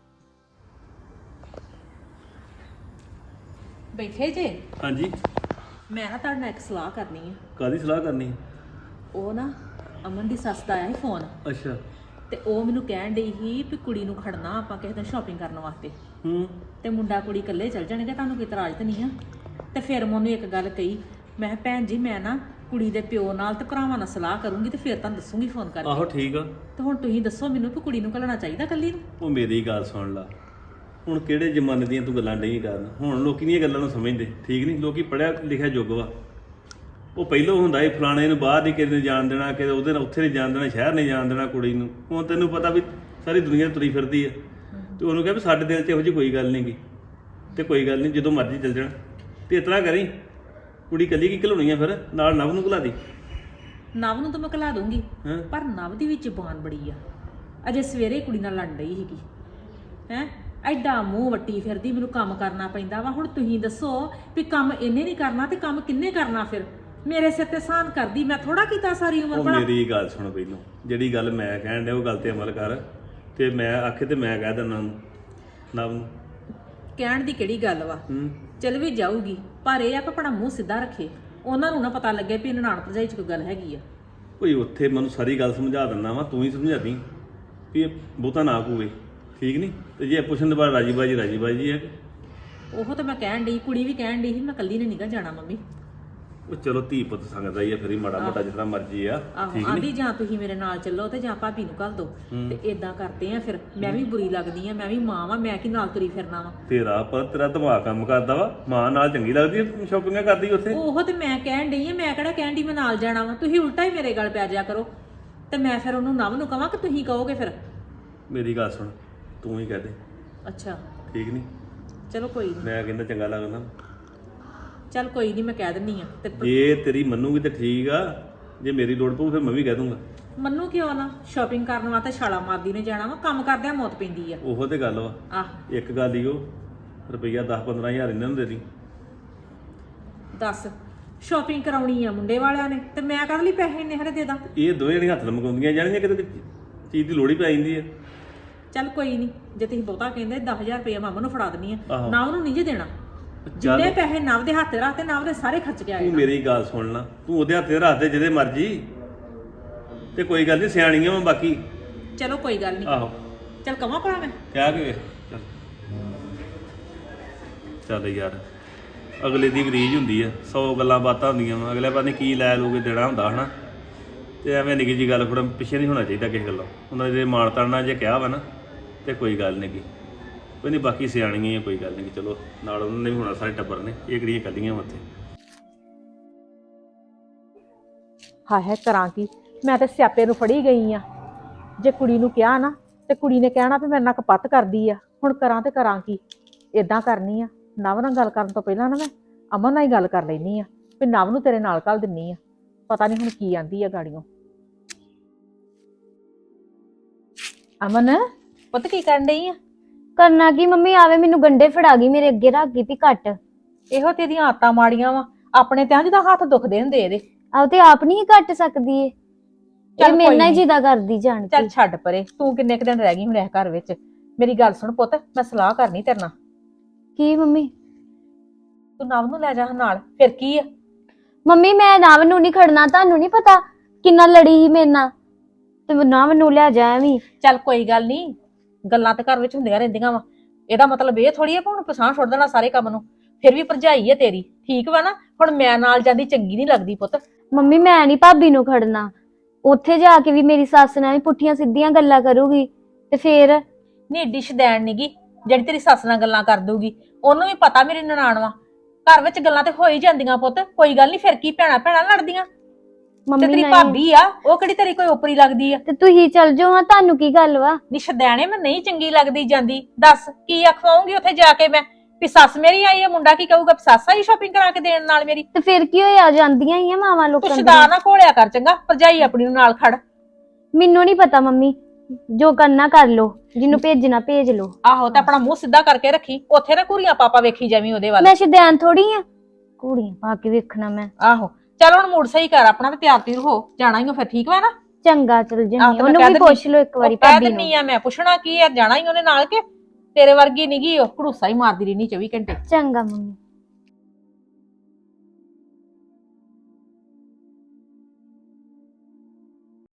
ਬੈਠੇ ਜੇ? ਹਾਂਜੀ, ਮੈਂ ਨਾ ਤੁਹਾਡੇ ਨਾਲ ਇੱਕ ਸਲਾਹ ਕਰਨੀ ਆ। ਕਾਦੀ ਸਲਾਹ ਕਰਨੀ? ਉਹ ਨਾ ਅਮਨ ਦੀ ਸੱਸ ਦਾ ਆਇਆ ਸੀ ਫੋਨ, ਅੱਛਾ। ਤੇ ਉਹ ਮੈਨੂੰ ਕਹਿਣ ਡਈ ਸੀ ਵੀ ਕੁੜੀ ਨੂੰ ਖੜਨਾ ਆਪਾਂ ਕਿਸੇ ਦਿਨ ਸ਼ਾਪਿੰਗ ਕਰਨ ਵਾਸਤੇ, ਤੇ ਮੁੰਡਾ ਕੁੜੀ ਇਕੱਲੇ ਚੱਲ ਜਾਣਗੇ, ਤੁਹਾਨੂੰ ਕੋਈ ਇਤਰਾਜ਼ ਤਾਂ ਨਹੀਂ ਆ? ਤੇ ਫਿਰ ਮੈਂ ਉਹਨੂੰ ਇੱਕ ਗੱਲ ਕਹੀ, ਮੈਂ ਕਿਹਾ ਭੈਣ ਜੀ ਮੈਂ ਨਾ ਕੁੜੀ ਦੇ ਪਿਓ ਨਾਲ ਤੇ ਭਰਾਵਾਂ ਨਾਲ ਸਲਾਹ ਕਰੂੰਗੀ ਤੇ ਫਿਰ ਤੁਹਾਨੂੰ ਦੱਸੂਗੀ ਫੋਨ ਕਰਕੇ। ਆਹੋ ਠੀਕ ਆ। ਤੇ ਹੁਣ ਤੁਸੀਂ ਦੱਸੋ ਮੈਨੂੰ ਕਿ ਕੁੜੀ ਨੂੰ ਘੱਲਣਾ ਚਾਹੀਦਾ ਇਕੱਲੀ ਨੂੰ? ਉਹ ਮੇਰੀ ਗੱਲ ਸੁਣ ਲਾ, ਹੁਣ ਕਿਹੜੇ ਜ਼ਮਾਨੇ ਦੀਆਂ ਤੂੰ ਗੱਲਾਂ ਨਹੀਂ ਕਰਨ। ਹੁਣ ਲੋਕੀ ਦੀਆਂ ਗੱਲਾਂ ਨੂੰ ਸਮਝਦੇ, ਠੀਕ ਨਹੀਂ? ਲੋਕੀ ਪੜਿਆ ਲਿਖਿਆ ਯੁੱਗ ਵਾ। ਉਹ ਪਹਿਲੋਂ ਹੁੰਦਾ ਸੀ ਫਲਾਣੇ ਨੂੰ ਬਾਹਰ ਨਹੀਂ ਕਿਸੇ ਨੇ ਜਾਣ ਦੇਣਾ, ਕਿ ਉਹਦੇ ਨਾਲ ਉੱਥੇ ਨਹੀਂ ਜਾਣ ਦੇਣਾ, ਸ਼ਹਿਰ ਨਹੀਂ ਜਾਣ ਦੇਣਾ ਕੁੜੀ ਨੂੰ। ਹੁਣ ਤੈਨੂੰ ਪਤਾ ਵੀ ਸਾਰੀ ਦੁਨੀਆ ਤੁਰੀ ਫਿਰਦੀ ਆ, ਤੇ ਉਹਨੂੰ ਕਿਹਾ ਵੀ ਸਾਡੇ ਦਿਲ 'ਚ ਇਹੋ ਜਿਹੀ ਕੋਈ ਗੱਲ ਨਹੀਂ ਗੀ, ਤੇ ਕੋਈ ਗੱਲ ਨਹੀਂ ਜਦੋਂ ਮਰਜ਼ੀ ਚੱਲ ਜਾਣ। ਤੇ ਇਤਨਾ ਕਰੀ, ਕੁੜੀ ਕੱਲੀ ਕੀ ਘਲਾਉਣੀ ਆ, ਫਿਰ ਨਾਲ ਨਵ ਨੂੰ ਘਲਾ ਦੀ। ਨਵ ਨੂੰ ਤਾਂ ਮੈਂ ਘਲਾ ਦੂੰਗੀ, ਹੈਂ? ਪਰ ਨਵ ਦੀ ਵੀ ਜ਼ੁਬਾਨ ਬੜੀ ਆ। ਅਜੇ ਸਵੇਰੇ ਕੁੜੀ ਨਾਲ ਲੜ ਰਹੀ ਸੀਗੀ, ਹੈ ਐਡਾ ਮੂੰਹ ਵੱਟੀ ਫਿਰਦੀ, ਮੈਨੂੰ ਕੰਮ ਕਰਨਾ ਪੈਂਦਾ ਵਾ। ਹੁਣ ਤੁਸੀਂ ਦੱਸੋ ਵੀ ਕੰਮ ਇਹਨੇ ਨਹੀਂ ਕਰਨਾ ਤੇ ਕੰਮ ਕਿੰਨੇ ਕਰਨਾ? ਫਿਰ ਮੇਰੇ ਸਿਰ ਤੇ ਸਾਨ ਕਰਦੀ, ਮੈਂ ਥੋੜਾ ਕੀਤਾ ਸਾਰੀ ਉਮਰ ਉਹ ਭਲਾ। ਮੇਰੀ ਗੱਲ ਸੁਣ, ਪਹਿਲੋਂ ਜਿਹੜੀ ਗੱਲ ਮੈਂ ਕਹਿਣ ਡਿਆ ਉਹ ਗੱਲ ਤੇ ਅਮਲ ਕਰ, ਤੇ ਮੈਂ ਆਖੇ ਤੇ ਮੈਂ ਕਹਿ ਦਿੰਦਾ ਨਵ ਨੂੰ। ਕਹਿਣ ਦੀ ਕਿਹੜੀ ਗੱਲ ਵਾ, ਚਲ ਵੀ ਜਾਊਗੀ, ਪਰ ਇਹ ਆ ਕਿ ਆਪਣਾ ਮੂੰਹ ਸਿੱਧਾ ਰੱਖੇ, ਉਹਨਾਂ ਨੂੰ ਨਾ ਪਤਾ ਲੱਗੇ ਵੀ ਨਨਾਣ ਭਰਜਾਈ 'ਚ ਕੋਈ ਗੱਲ ਹੈਗੀ ਆ। ਕੋਈ ਉੱਥੇ ਮੈਨੂੰ ਸਾਰੀ ਗੱਲ ਸਮਝਾ ਦਿੰਦਾ ਵਾ, ਤੂੰ ਹੀ ਸਮਝਾ ਦੀ ਵੀ ਇਹ ਬਹੁਤਾ ਨਾ ਕੂਵੇ, ਠੀਕ ਨਹੀਂ? ਤੇ ਜੇ ਪੁੱਛਣ ਦੇ ਬਾਅਦ ਰਾਜੀ ਬਾਜੀ ਹੈ। ਉਹ ਤਾਂ ਮੈਂ ਕਹਿਣ ਡਈ, ਕੁੜੀ ਵੀ ਕਹਿਣ ਡਈ ਸੀ ਮੈਂ ਕੱਲੀ ਨੇ ਨਿਗਾ ਜਾਣਾ ਮੰਮੀ। ਉਹ ਚਲੋ ਧੀ ਪੁੱਤ ਸੰਗਦਾ ਹੀ ਆ, ਫਿਰ ਹੀ ਮਾੜਾ ਮੋਟਾ ਜਿਤਨਾ ਮਰਜ਼ੀ ਆ, ਆਹੋ ਠੀਕ ਆਂਦੀ ਨਹੀਂ? ਜਾਂ ਤੁਸੀਂ ਮੇਰੇ ਨਾਲ ਚੱਲੋ ਤੇ ਜਾਂ ਭਾਬੀ ਨੂੰ ਘੱਲ ਦੋ, ਤੇ ਇਦਾਂ ਕਰਦੇ ਆ। ਫਿਰ ਮੈਂ ਵੀ ਬੁਰੀ ਲੱਗਦੀ ਆ, ਮੈਂ ਵੀ ਮਾਂ ਵਾਂ, ਮੈਂ ਕੀ ਨਾਲ ਤੁਰੀ ਫਿਰਨਾ ਵਾ? ਤੇਰਾ ਦਿਮਾਗ ਕੰਮ ਕਰਦਾ ਵਾ, ਮਾਂ ਨਾਲ ਚੰਗੀ ਲੱਗਦੀ ਸ਼ਾਪਿੰਗਾਂ ਕਰਦੀ ਉੱਥੇ। ਉਹ ਤੇ ਮੈਂ ਕਹਿਣ ਡਈ ਆ, ਮੈਂ ਕਿਹੜਾ ਕਹਿਣ ਡਈ ਮੈਂ ਨਾਲ ਜਾਣਾ ਵਾ? ਤੁਸੀਂ ਉਲਟਾ ਹੀ ਮੇਰੇ ਗੱਲ ਪੈ ਜਾ ਕਰੋ, ਤੇ ਮੈਂ ਫਿਰ ਉਹਨੂੰ ਨਵ ਨੂੰ ਕਵਾਂ ਕਿ ਤੁਸੀਂ ਕਹੋਗੇ ਫਿਰ? ਮੇਰੀ ਗੱਲ ਸੁਣ, ਤੂੰ ਹੀ ਕਹਿ ਦੇ, ਅੱਛਾ ਠੀਕ ਨਹੀਂ? ਚਲੋ ਕੋਈ ਨਹੀਂ, ਮੈਂ ਕਹਿੰਦਾ ਚੰਗਾ ਲੱਗਦਾ। ਚੱਲ ਕੋਈ ਨਹੀਂ, ਮੈਂ ਕਹਿ ਦਿੰਨੀ ਆ। ਤੇ ਜੇ ਤੇਰੀ ਮੰਨੂਗੀ ਤੇ ਠੀਕ ਆ, ਜੇ ਮੇਰੀ ਲੋੜ ਪਊ ਫਿਰ ਮੈਂ ਵੀ ਕਹਿ ਦੂੰਗਾ। ਮੰਨੂ ਕਿਉਂ ਨਾ? ਸ਼ਾਪਿੰਗ ਕਰਨ ਵਾਸਤੇ ਛਾਲਾ ਮਾਰਦੀ ਨੇ ਜਾਣਾ ਵਾ, ਕੰਮ ਕਰਦਿਆਂ ਮੌਤ ਪੈਂਦੀ ਆ। ਉਹੋ ਤੇ ਗੱਲ ਵਾ। ਆਹ ਇੱਕ ਗੱਲ ਹੀ, ਉਹ ਰੁਪਈਆ 10-15 ਹਜ਼ਾਰ ਇਹਨਾਂ ਨੂੰ ਦੇ ਦੀ। ਦੱਸ, ਸ਼ਾਪਿੰਗ ਕਰਾਉਣੀ ਆ ਮੁੰਡੇ ਵਾਲਿਆਂ ਨੇ, ਤੇ ਮੈਂ ਕਰ ਲਈ ਪੈਸੇ ਇੰਨੇ ਹਰੇ ਦੇ ਦਾਂ? ਇਹ ਦੋਵੇਂ ਜਣੀਆਂ ਹੱਥ ਲਮਕਾਉਂਦੀਆਂ ਜਾਣੀਆਂ, ਕਿਤੇ ਚੀਜ਼ ਦੀ ਲੋੜ ਹੀ ਪੈ ਜਾਂਦੀ ਹੈ। ਚੱਲ ਕੋਈ ਨਹੀਂ, ਜੇ ਤੁਸੀਂ ਬਹੁਤਾ ਕਹਿੰਦੇ 10,000 ਰੁਪਇਆ ਮਾਮਾ ਨੂੰ ਫੜਾ ਦਿੰਨੀ ਆ, ਆਹੋ। ਨਾ ਉਹਨੂੰ ਨਹੀਂ ਜੇ ਦੇਣਾ। ਚੱਲ ਜਿੰਨੇ ਪੈਸੇ ਨਵ ਦੇ ਹੱਥ ਰੱਖਤੇ, ਨਵ ਦੇ ਸਾਰੇ ਖਰਚ ਕੇ ਆਏ ਤੂੰ ਮੇਰੀ ਗੱਲ ਸੁਣ ਲਾ, ਤੂੰ ਉਹਦੇ ਹੱਥੇ ਰੱਖ ਦੇ ਜਿਹਦੇ ਮਰਜੀ, ਤੇ ਕੋਈ ਗੱਲ ਨਹੀਂ, ਸਿਆਣੀਆਂ ਵਾ ਬਾਕੀ। ਚਲੋ ਕੋਈ ਗੱਲ ਨਹੀਂ, ਆਹੋ ਚੱਲ ਕਵਾਂ ਭਲਾ ਮੈਂ? ਕਹਿ ਕੇ ਚੱਲ ਚੱਲ ਯਾਰ, ਅਗਲੇ ਦੀ ਰੀਝ ਹੁੰਦੀ ਆ, 100 ਗੱਲਾਂ ਬਾਤਾਂ ਹੁੰਦੀਆਂ ਵਾ, ਅਗਲੇ ਪਤਾ ਨਹੀਂ ਕੀ ਲੈ ਲੂਗੇ ਦੇਣਾ ਹੁੰਦਾ ਹਨਾ। ਤੇ ਐਵੇਂ ਨਿੱਕੀ ਜੀ ਗੱਲ ਥੋੜਾ ਪਿੱਛੇ ਨਹੀਂ ਹੋਣਾ ਚਾਹੀਦਾ ਕਿਸੇ ਗੱਲੋਂ। ਉਹਨਾਂ ਦੇ ਮਾਨਤਾ ਨਾਲ ਜੇ ਕਿਹਾ ਵਾ ਨਾ, ਤੇ ਕੋਈ ਗੱਲ ਨਹੀਂ ਗੀ, ਕੋਈ ਨਹੀਂ, ਬਾਕੀ ਸਿਆਣੀਆਂ ਆ, ਕੋਈ ਗੱਲ ਨਹੀਂ। ਚਲੋ ਨਾਲ ਉਹਨਾਂ ਨੇ ਵੀ ਹੋਣਾ, ਸਾਰੇ ਟੱਬਰ ਨੇ, ਇਹ ਕਿਹੜੀਆਂ ਕੱਲੀਆਂ ਵਾ ਉੱਥੇ। ਹਾਏ ਕਰਾਂ ਕੀ, ਮੈਂ ਤੇ ਸਿਆਪੇ ਨੂੰ ਫੜੀ ਗਈ ਆ। ਜੇ ਕੁੜੀ ਨੂੰ ਕਿਹਾ ਨਾ, ਤੇ ਕੁੜੀ ਨੇ ਕਹਿਣਾ ਵੀ ਮੇਰੇ ਨਾਲ ਕਪੱਤ ਕਰਦੀ ਆ। ਹੁਣ ਕਰਾਂ ਤੇ ਕਰਾਂ ਕੀ? ਇਦਾਂ ਕਰਨੀ ਆ, ਨਵ ਨਾਲ ਗੱਲ ਕਰਨ ਤੋਂ ਪਹਿਲਾਂ ਨਾ ਮੈਂ ਅਮਨ ਨਾਲ ਹੀ ਗੱਲ ਕਰ ਲੈਣੀ ਆ ਵੀ ਨਵ ਨੂੰ ਤੇਰੇ ਨਾਲ ਘੱਲ ਦਿੰਨੀ ਆ। ਪਤਾ ਨਹੀਂ ਹੁਣ ਕੀ ਆਂਦੀ ਆ ਗਾੜੀਆਂ। ਅਮਨ ਪੁੱਤ ਕੀ ਕਰਨ ਡਈ ਆ? ਕਰਨਾ ਕੀ ਮੰਮੀ, ਆਵੇ ਮੈਨੂੰ ਗੰਡੇ ਫੜਾ ਗਈ, ਮੇਰੇ ਅੱਗੇ ਰੱਖ ਗਈ ਵੀ ਕੱਟ। ਇਹੋ ਤੇਰੀਆਂ ਆਦਤਾਂ ਮਾੜੀਆਂ ਵਾ, ਆਪਣੇ ਤੇ ਜਿੱਦਾਂ ਹੱਥ ਦੁਖਦੇ ਹੁੰਦੇ ਇਹਦੇ। ਆਹ ਤੇ ਆਪ ਨਹੀਂ ਕੱਟ ਸਕਦੀ ਏ, ਇਹ ਮੇਰੇ ਨਾਲ ਹੀ ਜਿੱਦਾਂ ਕਰਦੀ ਜਾਣ ਚੱਲ ਕੇ। ਛੱਡ ਪਰੇ, ਤੂੰ ਕਿੰਨੇ ਕੁ ਦਿਨ ਰਹਿ ਗਈ ਹੁਣ ਇਸ ਘਰ ਵਿੱਚ? ਮੇਰੀ ਗੱਲ ਸੁਣ ਪੁੱਤ, ਮੈਂ ਸਲਾਹ ਕਰਨੀ ਤੇਰੇ ਨਾਲ। ਕੀ ਮੰਮੀ? ਤੂੰ ਨਵ ਨੂੰ ਲੈ ਜਾ ਨਾਲ, ਫਿਰ ਕੀ ਆ? ਮੰਮੀ ਮੈਂ ਨਵ ਨੂੰ ਨਹੀਂ ਖੜਨਾ, ਤੁਹਾਨੂੰ ਨਹੀਂ ਪਤਾ ਕਿੰਨਾ ਲੜੀ ਸੀ ਮੇਰੇ ਨਾਲ, ਤੇ ਨਵ ਨੂੰ ਲੈ ਜਾ ਐਵੇਂ। ਚੱਲ ਕੋਈ ਗੱਲ ਨਹੀਂ, ਗੱਲਾਂ ਤੇ ਘਰ ਵਿੱਚ ਹੁੰਦੀਆਂ ਰਹਿੰਦੀਆਂ ਵਾ। ਇਹਦਾ ਮਤਲਬ ਇਹ ਥੋੜੀ ਹੈ ਕਿ ਹੁਣ ਪਛਾਣ ਛੱਡ ਦੇਣਾ ਸਾਰੇ ਕੰਮ ਨੂੰ। ਫਿਰ ਵੀ ਭਰਜਾਈ ਹੈ ਤੇਰੀ, ਠੀਕ ਵਾ ਨਾ। ਹੁਣ ਮੈਂ ਨਾਲ ਜਾਂਦੀ ਚੰਗੀ ਨਹੀਂ ਲੱਗਦੀ ਪੁੱਤ। ਮੰਮੀ ਮੈਂ ਨਹੀਂ ਭਾਬੀ ਨੂੰ ਖੜਨਾ, ਉੱਥੇ ਜਾ ਕੇ ਵੀ ਮੇਰੀ ਸੱਸ ਨਾਲ ਵੀ ਪੁੱਠੀਆਂ ਸਿੱਧੀਆਂ ਗੱਲਾਂ ਕਰੂਗੀ ਤੇ ਫੇਰ ਨਹੀਂ ਏਡੀ ਸ਼ਦੈਣ ਨੀਗੀ ਜਿਹੜੀ ਤੇਰੀ ਸੱਸ ਨਾਲ ਗੱਲਾਂ ਕਰ ਦੂਗੀ। ਉਹਨੂੰ ਵੀ ਪਤਾ ਮੇਰੀ ਨਨਾਣ ਵਾ, ਘਰ ਵਿੱਚ ਗੱਲਾਂ ਤੇ ਹੋ ਹੀ ਜਾਂਦੀਆਂ ਪੁੱਤ, ਕੋਈ ਗੱਲ ਨਹੀਂ। ਫਿਰ ਕੀ ਭੈਣਾਂ ਭੈਣਾਂ ਲੜਦੀਆਂ? ਤੇ ਮੰਮੀ ਤੇਰੀ ਨਹੀਂ ਭਾਬੀ ਆ, ਉਹ ਕਿਹੜੀ ਤੇਰੀ ਕੋਈ ਓਪਰੀ ਲੱਗਦੀ ਆ? ਤੇ ਤੁਸੀਂ ਚੱਲ ਜਾਓ ਹਾਂ, ਤੁਹਾਨੂੰ ਕੀ ਗੱਲ ਵਾ? ਨੀ ਸ਼ਦੈਣੇ ਮੈਂ ਨਹੀਂ ਚੰਗੀ ਲੱਗਦੀ ਜਾਂਦੀ। ਦੱਸ ਕੀ ਅਖਵਾਉਂਗੀ ਉੱਥੇ ਜਾ ਕੇ ਮੈਂ ਵੀ ਸੱਸ ਮੇਰੀ ਆਈ ਹੈ, ਮੁੰਡਾ ਕੀ ਕਹੂਗਾ ਸੱਸ ਆਈ ਸ਼ਾਪਿੰਗ ਕਰਾ ਕੇ ਦੇਣ ਨਾਲ ਮੇਰੀ? ਤੇ ਫਿਰ ਕੀ ਹੋਇਆ, ਜਾਂਦੀਆਂ ਹੀ ਆ ਮਾਵਾਂ ਤੂੰ ਲੋਕਾਂ ਸ਼ਦਾ ਦੀਆਂ। ਨਾ ਘੋਲਿਆ ਕਰ ਚੰਗਾ, ਭਰਜਾਈ ਆਪਣੀ ਨੂੰ ਨਾਲ ਖੜ। ਮੈਨੂੰ ਨਹੀਂ ਪਤਾ ਮੰਮੀ, ਜੋ ਕਰਨਾ ਕਰ ਲੋ, ਜਿਹਨੂੰ ਭੇਜਣਾ ਭੇਜ ਲੋ। ਆਹੋ ਤੇ ਆਪਣਾ ਮੂੰਹ ਸਿੱਧਾ ਕਰਕੇ ਰੱਖੀ, ਉੱਥੇ ਨਾ ਘੂਰੀਆਂ ਪਾਪਾ ਵੇਖੀ ਜਾਵੀਂ ਉਹਦੇ ਵੱਲ। ਮੈਂ ਸ਼ੁਦੈਣ ਥੋੜੀ ਆ ਕੁੜੀਆਂ ਪਾ ਕੇ ਵੇਖਣਾ ਮੈਂ। ਆਹੋ ਚੱਲ ਹੁਣ ਮੂਡ ਸਹੀ ਕਰ ਆਪਣਾ ਤੇ ਤਿਆਰ ਤਿਉਰ ਹੋ, ਜਾਣਾ ਹੀ ਹੋ ਫਿਰ, ਠੀਕ ਵਾ ਨਾ? ਚੰਗਾ ਚਲ ਆਹ ਜੰਨੀ, ਤੇ ਮੈਂ ਉਹਨੂੰ ਕਹਿ ਵੀ ਦਿੰਦੀ- ਪੁੱਛ ਲੋ ਇੱਕ ਵਾਰੀ ਉਹ ਕਹਿ ਭਾਬੀ ਦਿੰਨੀ ਨੂੰ। ਆ ਮੈਂ, ਪੁੱਛਣਾ ਕੀ ਆ, ਜਾਣਾ ਹੀ ਉਹਨੇ ਨਾਲ ਕੇ ਤੇਰੇ ਵਰਗੀ ਨੀਗੀ ਉਹ, ਘੜੂਸਾ ਹੀ ਮਾਰਦੀ ਰਹਿਣੀ 24 ਘੰਟੇ। ਚੰਗਾ ਮੰਮੀ।